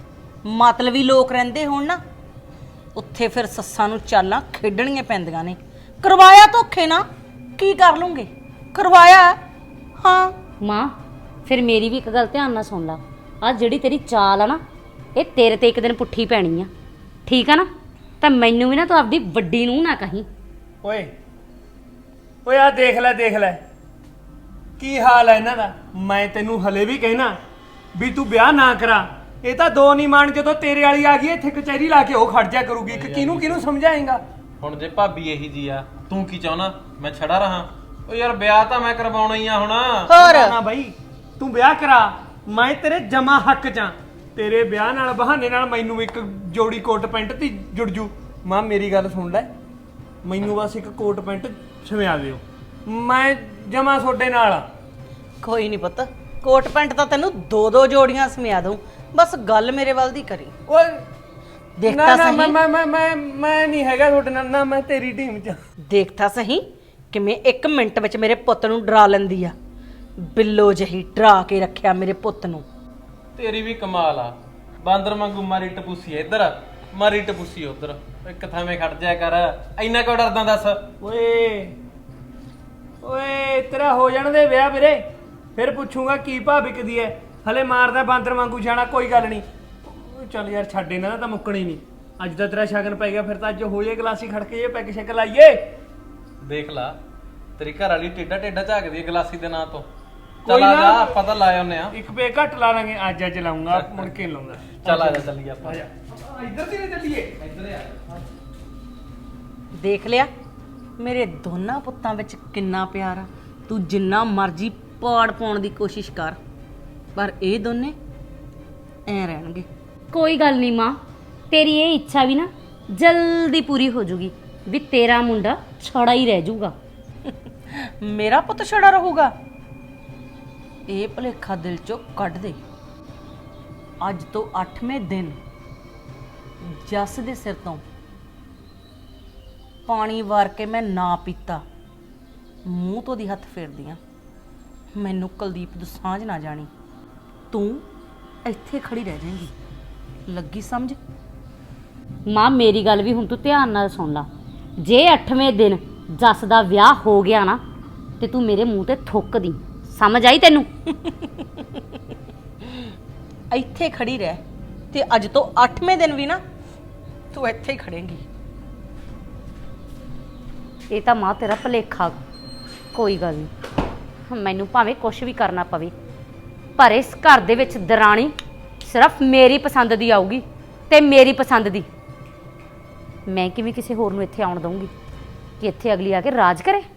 Speaker 3: ਮਤਲਬੀ ਲੋਕ ਰਹਿੰਦੇ ਹੋਣ ਨਾ, ਉੱਥੇ ਫਿਰ ਸੱਸਾਂ ਨੂੰ ਚਾਲਾਂ ਖੇਡਣੀਆਂ ਪੈਂਦੀਆਂ ਨੇ। ਕਰਵਾਇਆ ਧੋਖੇ ਨਾ, ਕੀ ਕਰ ਲੂੰਗੇ? ਕਰਵਾਇਆ ਹਾਂ।
Speaker 1: ਮਾਂ ਫਿਰ ਮੇਰੀ ਵੀ ਇੱਕ ਗੱਲ ਧਿਆਨ ਨਾਲ ਸੁਣ ਲਾ, ਆ ਜਿਹੜੀ ਤੇਰੀ ਚਾਲ ਆ ਨਾ, ਇਹ ਤੇਰੇ ਤੇ ਇੱਕ ਦਿਨ ਪੁੱਠੀ ਪੈਣੀ ਆ, ਠੀਕ ਆ ਨਾ? ਤਾਂ ਮੈਨੂੰ ਵੀ ਨਾ ਤੂੰ ਆਪਦੀ ਵੱਡੀ ਨੂੰ ਨਾ ਕਹੀਂ।
Speaker 5: ਓਏ ਓਏ ਆ ਦੇਖ ਲੈ ਦੇਖ ਲੈ ਕੀ ਹਾਲ ਹੈ ਇਹਨਾਂ ਦਾ। ਮੈਂ ਤੈਨੂੰ ਹਲੇ ਵੀ ਕਹਿਣਾ ਵੀ ਤੂੰ ਵਿਆਹ ਨਾ ਕਰਾ। ਇਹ ਤਾਂ ਦੋ ਨਹੀਂ ਮਾਣ, ਜਦੋਂ ਤੇਰੇ ਵਾਲੀ ਆ ਗਈ ਇੱਥੇ ਕਚਹਿਰੀ ਲਾ ਕੇ ਉਹ ਖੜ ਜਾ ਕਰੂਗੀ ਕਿ ਕਿਹਨੂੰ ਕਿਹਨੂੰ ਸਮਝਾਏਗਾ।
Speaker 7: ਹੁਣ ਜੇ ਭਾਬੀ ਇਹੀ ਜੀ ਆ, ਤੂੰ ਕੀ ਚਾਹਣਾ ਮੈਂ ਛੜਾ ਰਹਾ? ਓ ਯਾਰ ਵਿਆਹ ਤਾਂ ਮੈਂ ਕਰਵਾਉਣਾ ਹੀ ਆ ਹੁਣ।
Speaker 3: ਹੋਰ
Speaker 5: ਨਾ ਬਾਈ ਤੂੰ ਵਿਆਹ ਕਰਾ, ਮੈਂ ਤੇਰੇ ਜਮਾ ਹੱਕ ਚ ਆਂ। ਤੇਰੇ ਵਿਆਹ ਨਾਲ ਬਹਾਨੇ ਨਾਲ ਮੈਨੂੰ ਇੱਕ ਜੋੜੀ ਕੋਟ ਪੈਂਟ ਤੇ ਜੁੜ ਜੂ। ਮਾਂ ਮੇਰੀ ਗੱਲ ਸੁਣ ਲੈ, ਮੈਨੂੰ ਬਸ ਇੱਕ ਕੋਟ ਪੈਂਟ ਸਵਿਆ ਦਿਓ, ਮੈਂ ਜਮਾ ਤੁਹਾਡੇ ਨਾਲ ਆ।
Speaker 3: ਕੋਈ ਨਹੀਂ ਪੁੱਤ, ਕੋਟ ਪੈਂਟ ਤਾਂ ਤੈਨੂੰ ਦੋ ਦੋ ਜੋੜੀਆਂ ਸਮਿਆ ਦੂੰ, ਬਸ ਗੱਲ ਮੇਰੇ ਵੱਲ ਦੀ ਕਰੀ।
Speaker 5: ਓਏ
Speaker 3: ਦੇਖ
Speaker 5: ਨਾ
Speaker 3: ਤਾਂ
Speaker 5: ਨਾ
Speaker 3: ਸਹੀ।
Speaker 5: ਮੈਂ ਮੈਂ ਮੈਂ ਮੈਂ ਮੈਂ ਨਹੀਂ ਹੈਗਾ ਤੁਹਾਡੇ ਨਾਲ, ਨਾ ਮੈਂ ਤੇਰੀ ਟੀਮ ਚ।
Speaker 3: ਦੇਖ ਤਾਂ ਸਹੀ ਕਿਵੇਂ ਇੱਕ ਮਿੰਟ ਵਿੱਚ ਮੇਰੇ ਪੁੱਤ ਨੂੰ ਡਰਾ ਲੈਂਦੀ ਆ। ਬਿੱਲੋ ਜਹੀ ਡਰਾ ਕੇ ਰੱਖਿਆ ਮੇਰੇ ਪੁੱਤ ਨੂੰ।
Speaker 7: ਤੇਰੀ ਵੀ ਕਮਾਲ ਆ, ਬਾਂਦਰ ਵਾਂਗੂ ਮਾਰੀ ਟਪੂਸੀ ਇੱਧਰ, ਮਾਰੀ ਟਪੂਸੀ ਉੱਧਰ, ਇੱਕ ਥਾਵੇਂ ਖੜ ਜਾਇਆ ਕਰ। ਇੰਨਾ ਕਿਉਂ ਡਰਦਾ ਦੱਸ?
Speaker 5: ਓਏ ਓਏ ਤੇਰਾ ਹੋ ਜਾਣ ਦੇ ਵਿਆਹ ਵੀਰੇ, ਫਿਰ ਪੁੱਛੂਗਾ ਕੀ ਭਾਅ ਵਿਕਦੀ ਐ। ਹਲੇ ਮਾਰਦਾ ਬਾਂਦਰ ਵਾਂਗੂ ਜਾਣਾ, ਕੋਈ ਗੱਲ ਨਹੀਂ। ਚੱਲ ਯਾਰ ਛੱਡ, ਇਹਨਾਂ ਦਾ ਤਾਂ ਮੁੱਕਣੀ ਨਹੀਂ। ਅੱਜ ਤਾਂ ਤੇਰਾ ਸ਼ਗਨ ਪੈ ਗਿਆ, ਫਿਰ ਤਾਂ ਅੱਜ ਹੋ ਜੇ ਗਲਾਸੀ ਖੜਕੇ ਜੇ ਪੈਗ ਸ਼ੈਕ ਲਾਈਏ।
Speaker 7: ਦੇਖ ਲਾ ਤੇਰੀ ਘਰ ਵਾਲੀ ਟੇਡਾ ਟੇਡਾ ਝਾਕਦੀ ਹੈ ਗਲਾਸੀ ਦੇ ਨਾਂ ਤੋਂ।
Speaker 5: ਕੋਈ
Speaker 7: ਚੱਲ ਆ
Speaker 5: ਨਾ।
Speaker 7: ਜਾ, ਆਪਾਂ ਤਾਂ ਲਾਏ ਹੁੰਨੇ ਆ।
Speaker 5: ਇੱਕ ਪੇ ਘੱਟ ਲਾ ਲਾਂਗੇ, ਅੱਜ ਅੱਜ ਲਾਉਂਗਾ, ਮੁੜ ਕੇ ਨੀ ਲਾਉਂਦਾ।
Speaker 7: ਚੱਲ ਆ ਜਾ ਚੱਲੀਏ ਆਪਾਂ।
Speaker 5: ਆ ਜਾ ਇੱਧਰ ਦੀ ਚੱਲੀਏ।
Speaker 7: ਇੱਧਰ ਆ।
Speaker 3: ਦੇਖ ਲਿਆ ਮੇਰੇ ਦੋਨਾਂ ਪੁੱਤਾਂ ਵਿੱਚ ਕਿੰਨਾ ਪਿਆਰ ਆ। ਤੂੰ ਜਿੰਨਾ ਮਰਜ਼ੀ ਪਾੜ ਪਾਉਣ ਦੀ ਕੋਸ਼ਿਸ਼ ਕਰ, ਪਰ ਇਹ ਦੋਨੇ ਐ ਰਹਿਣਗੇ।
Speaker 1: ਕੋਈ ਗੱਲ ਨਹੀਂ ਮਾਂ, ਤੇਰੀ ਇਹ ਇੱਛਾ ਵੀ ਨਾ ਜਲਦੀ ਪੂਰੀ ਹੋ ਜੂਗੀ ਵੀ ਤੇਰਾ ਮੁੰਡਾ ਛੜਾ ਹੀ ਰਹਿ ਜਾਊਗਾ।
Speaker 3: ਮੇਰਾ ਪੁੱਤ ਛੜਾ ਰਹੂਗਾ? ਇਹ ਭੁਲੇਖਾ ਦਿਲ ਚੋਂ ਕੱਢ ਦੇ। ਅੱਜ ਤੋਂ ਅੱਠਵੇਂ ਦਿਨ ਜੱਸ ਦੇ ਸਿਰ ਤੋਂ ਪਾਣੀ ਵਾਰ ਕੇ ਮੈਂ ਨਾ ਪੀਤਾ, ਮੂੰਹ ਤੋਂ ਦੀ ਹੱਥ ਫੇਰਦੀ ਆ। ਮੈਨੂੰ ਕੁਲਦੀਪ ਤੋਂ ਸਾਂਝ ਨਾ ਜਾਣੀ, ਤੂੰ ਇੱਥੇ ਖੜੀ ਰਹਿ ਜਾਏਂਗੀ, ਲੱਗੀ ਸਮਝ?
Speaker 1: ਮਾਂ ਮੇਰੀ ਗੱਲ ਵੀ ਹੁਣ ਤੂੰ ਧਿਆਨ ਨਾਲ ਸੁਣ ਲਾ। ਜੇ ਅੱਠਵੇਂ ਦਿਨ ਜੱਸ ਦਾ ਵਿਆਹ ਹੋ ਗਿਆ ਨਾ, ਤੇ ਤੂੰ ਮੇਰੇ ਮੂੰਹ ਤੇ ਥੁੱਕ ਦੀ, ਸਮਝ ਆਈ ਤੈਨੂੰ?
Speaker 3: ਇੱਥੇ ਖੜੀ ਰਹਿ, ਤੇ ਅੱਜ ਤੋਂ ਅੱਠਵੇਂ ਦਿਨ ਵੀ ਨਾ ਤੂੰ ਇੱਥੇ ਹੀ ਖੜੇਂਗੀ।
Speaker 1: ਇਹ ਤਾਂ ਮਾਂ ਤੇਰਾ ਭੁਲੇਖਾ। ਕੋਈ ਗੱਲ ਨਹੀਂ, ਮੈਨੂੰ ਭਾਵੇਂ ਕੁਝ ਵੀ ਕਰਨਾ ਪਵੇ, ਪਰ ਇਸ ਘਰ ਦੇ ਵਿੱਚ ਦਰਾਣੀ ਸਿਰਫ ਮੇਰੀ ਪਸੰਦ ਦੀ ਆਊਗੀ, ਤੇ ਮੇਰੀ ਪਸੰਦ ਦੀ। ਮੈਂ ਕਿਵੇਂ ਕਿਸੇ ਹੋਰ ਨੂੰ ਇੱਥੇ ਆਉਣ ਦਊਂਗੀ ਕਿ ਇੱਥੇ ਅਗਲੀ ਆ ਕੇ ਰਾਜ ਕਰੇ?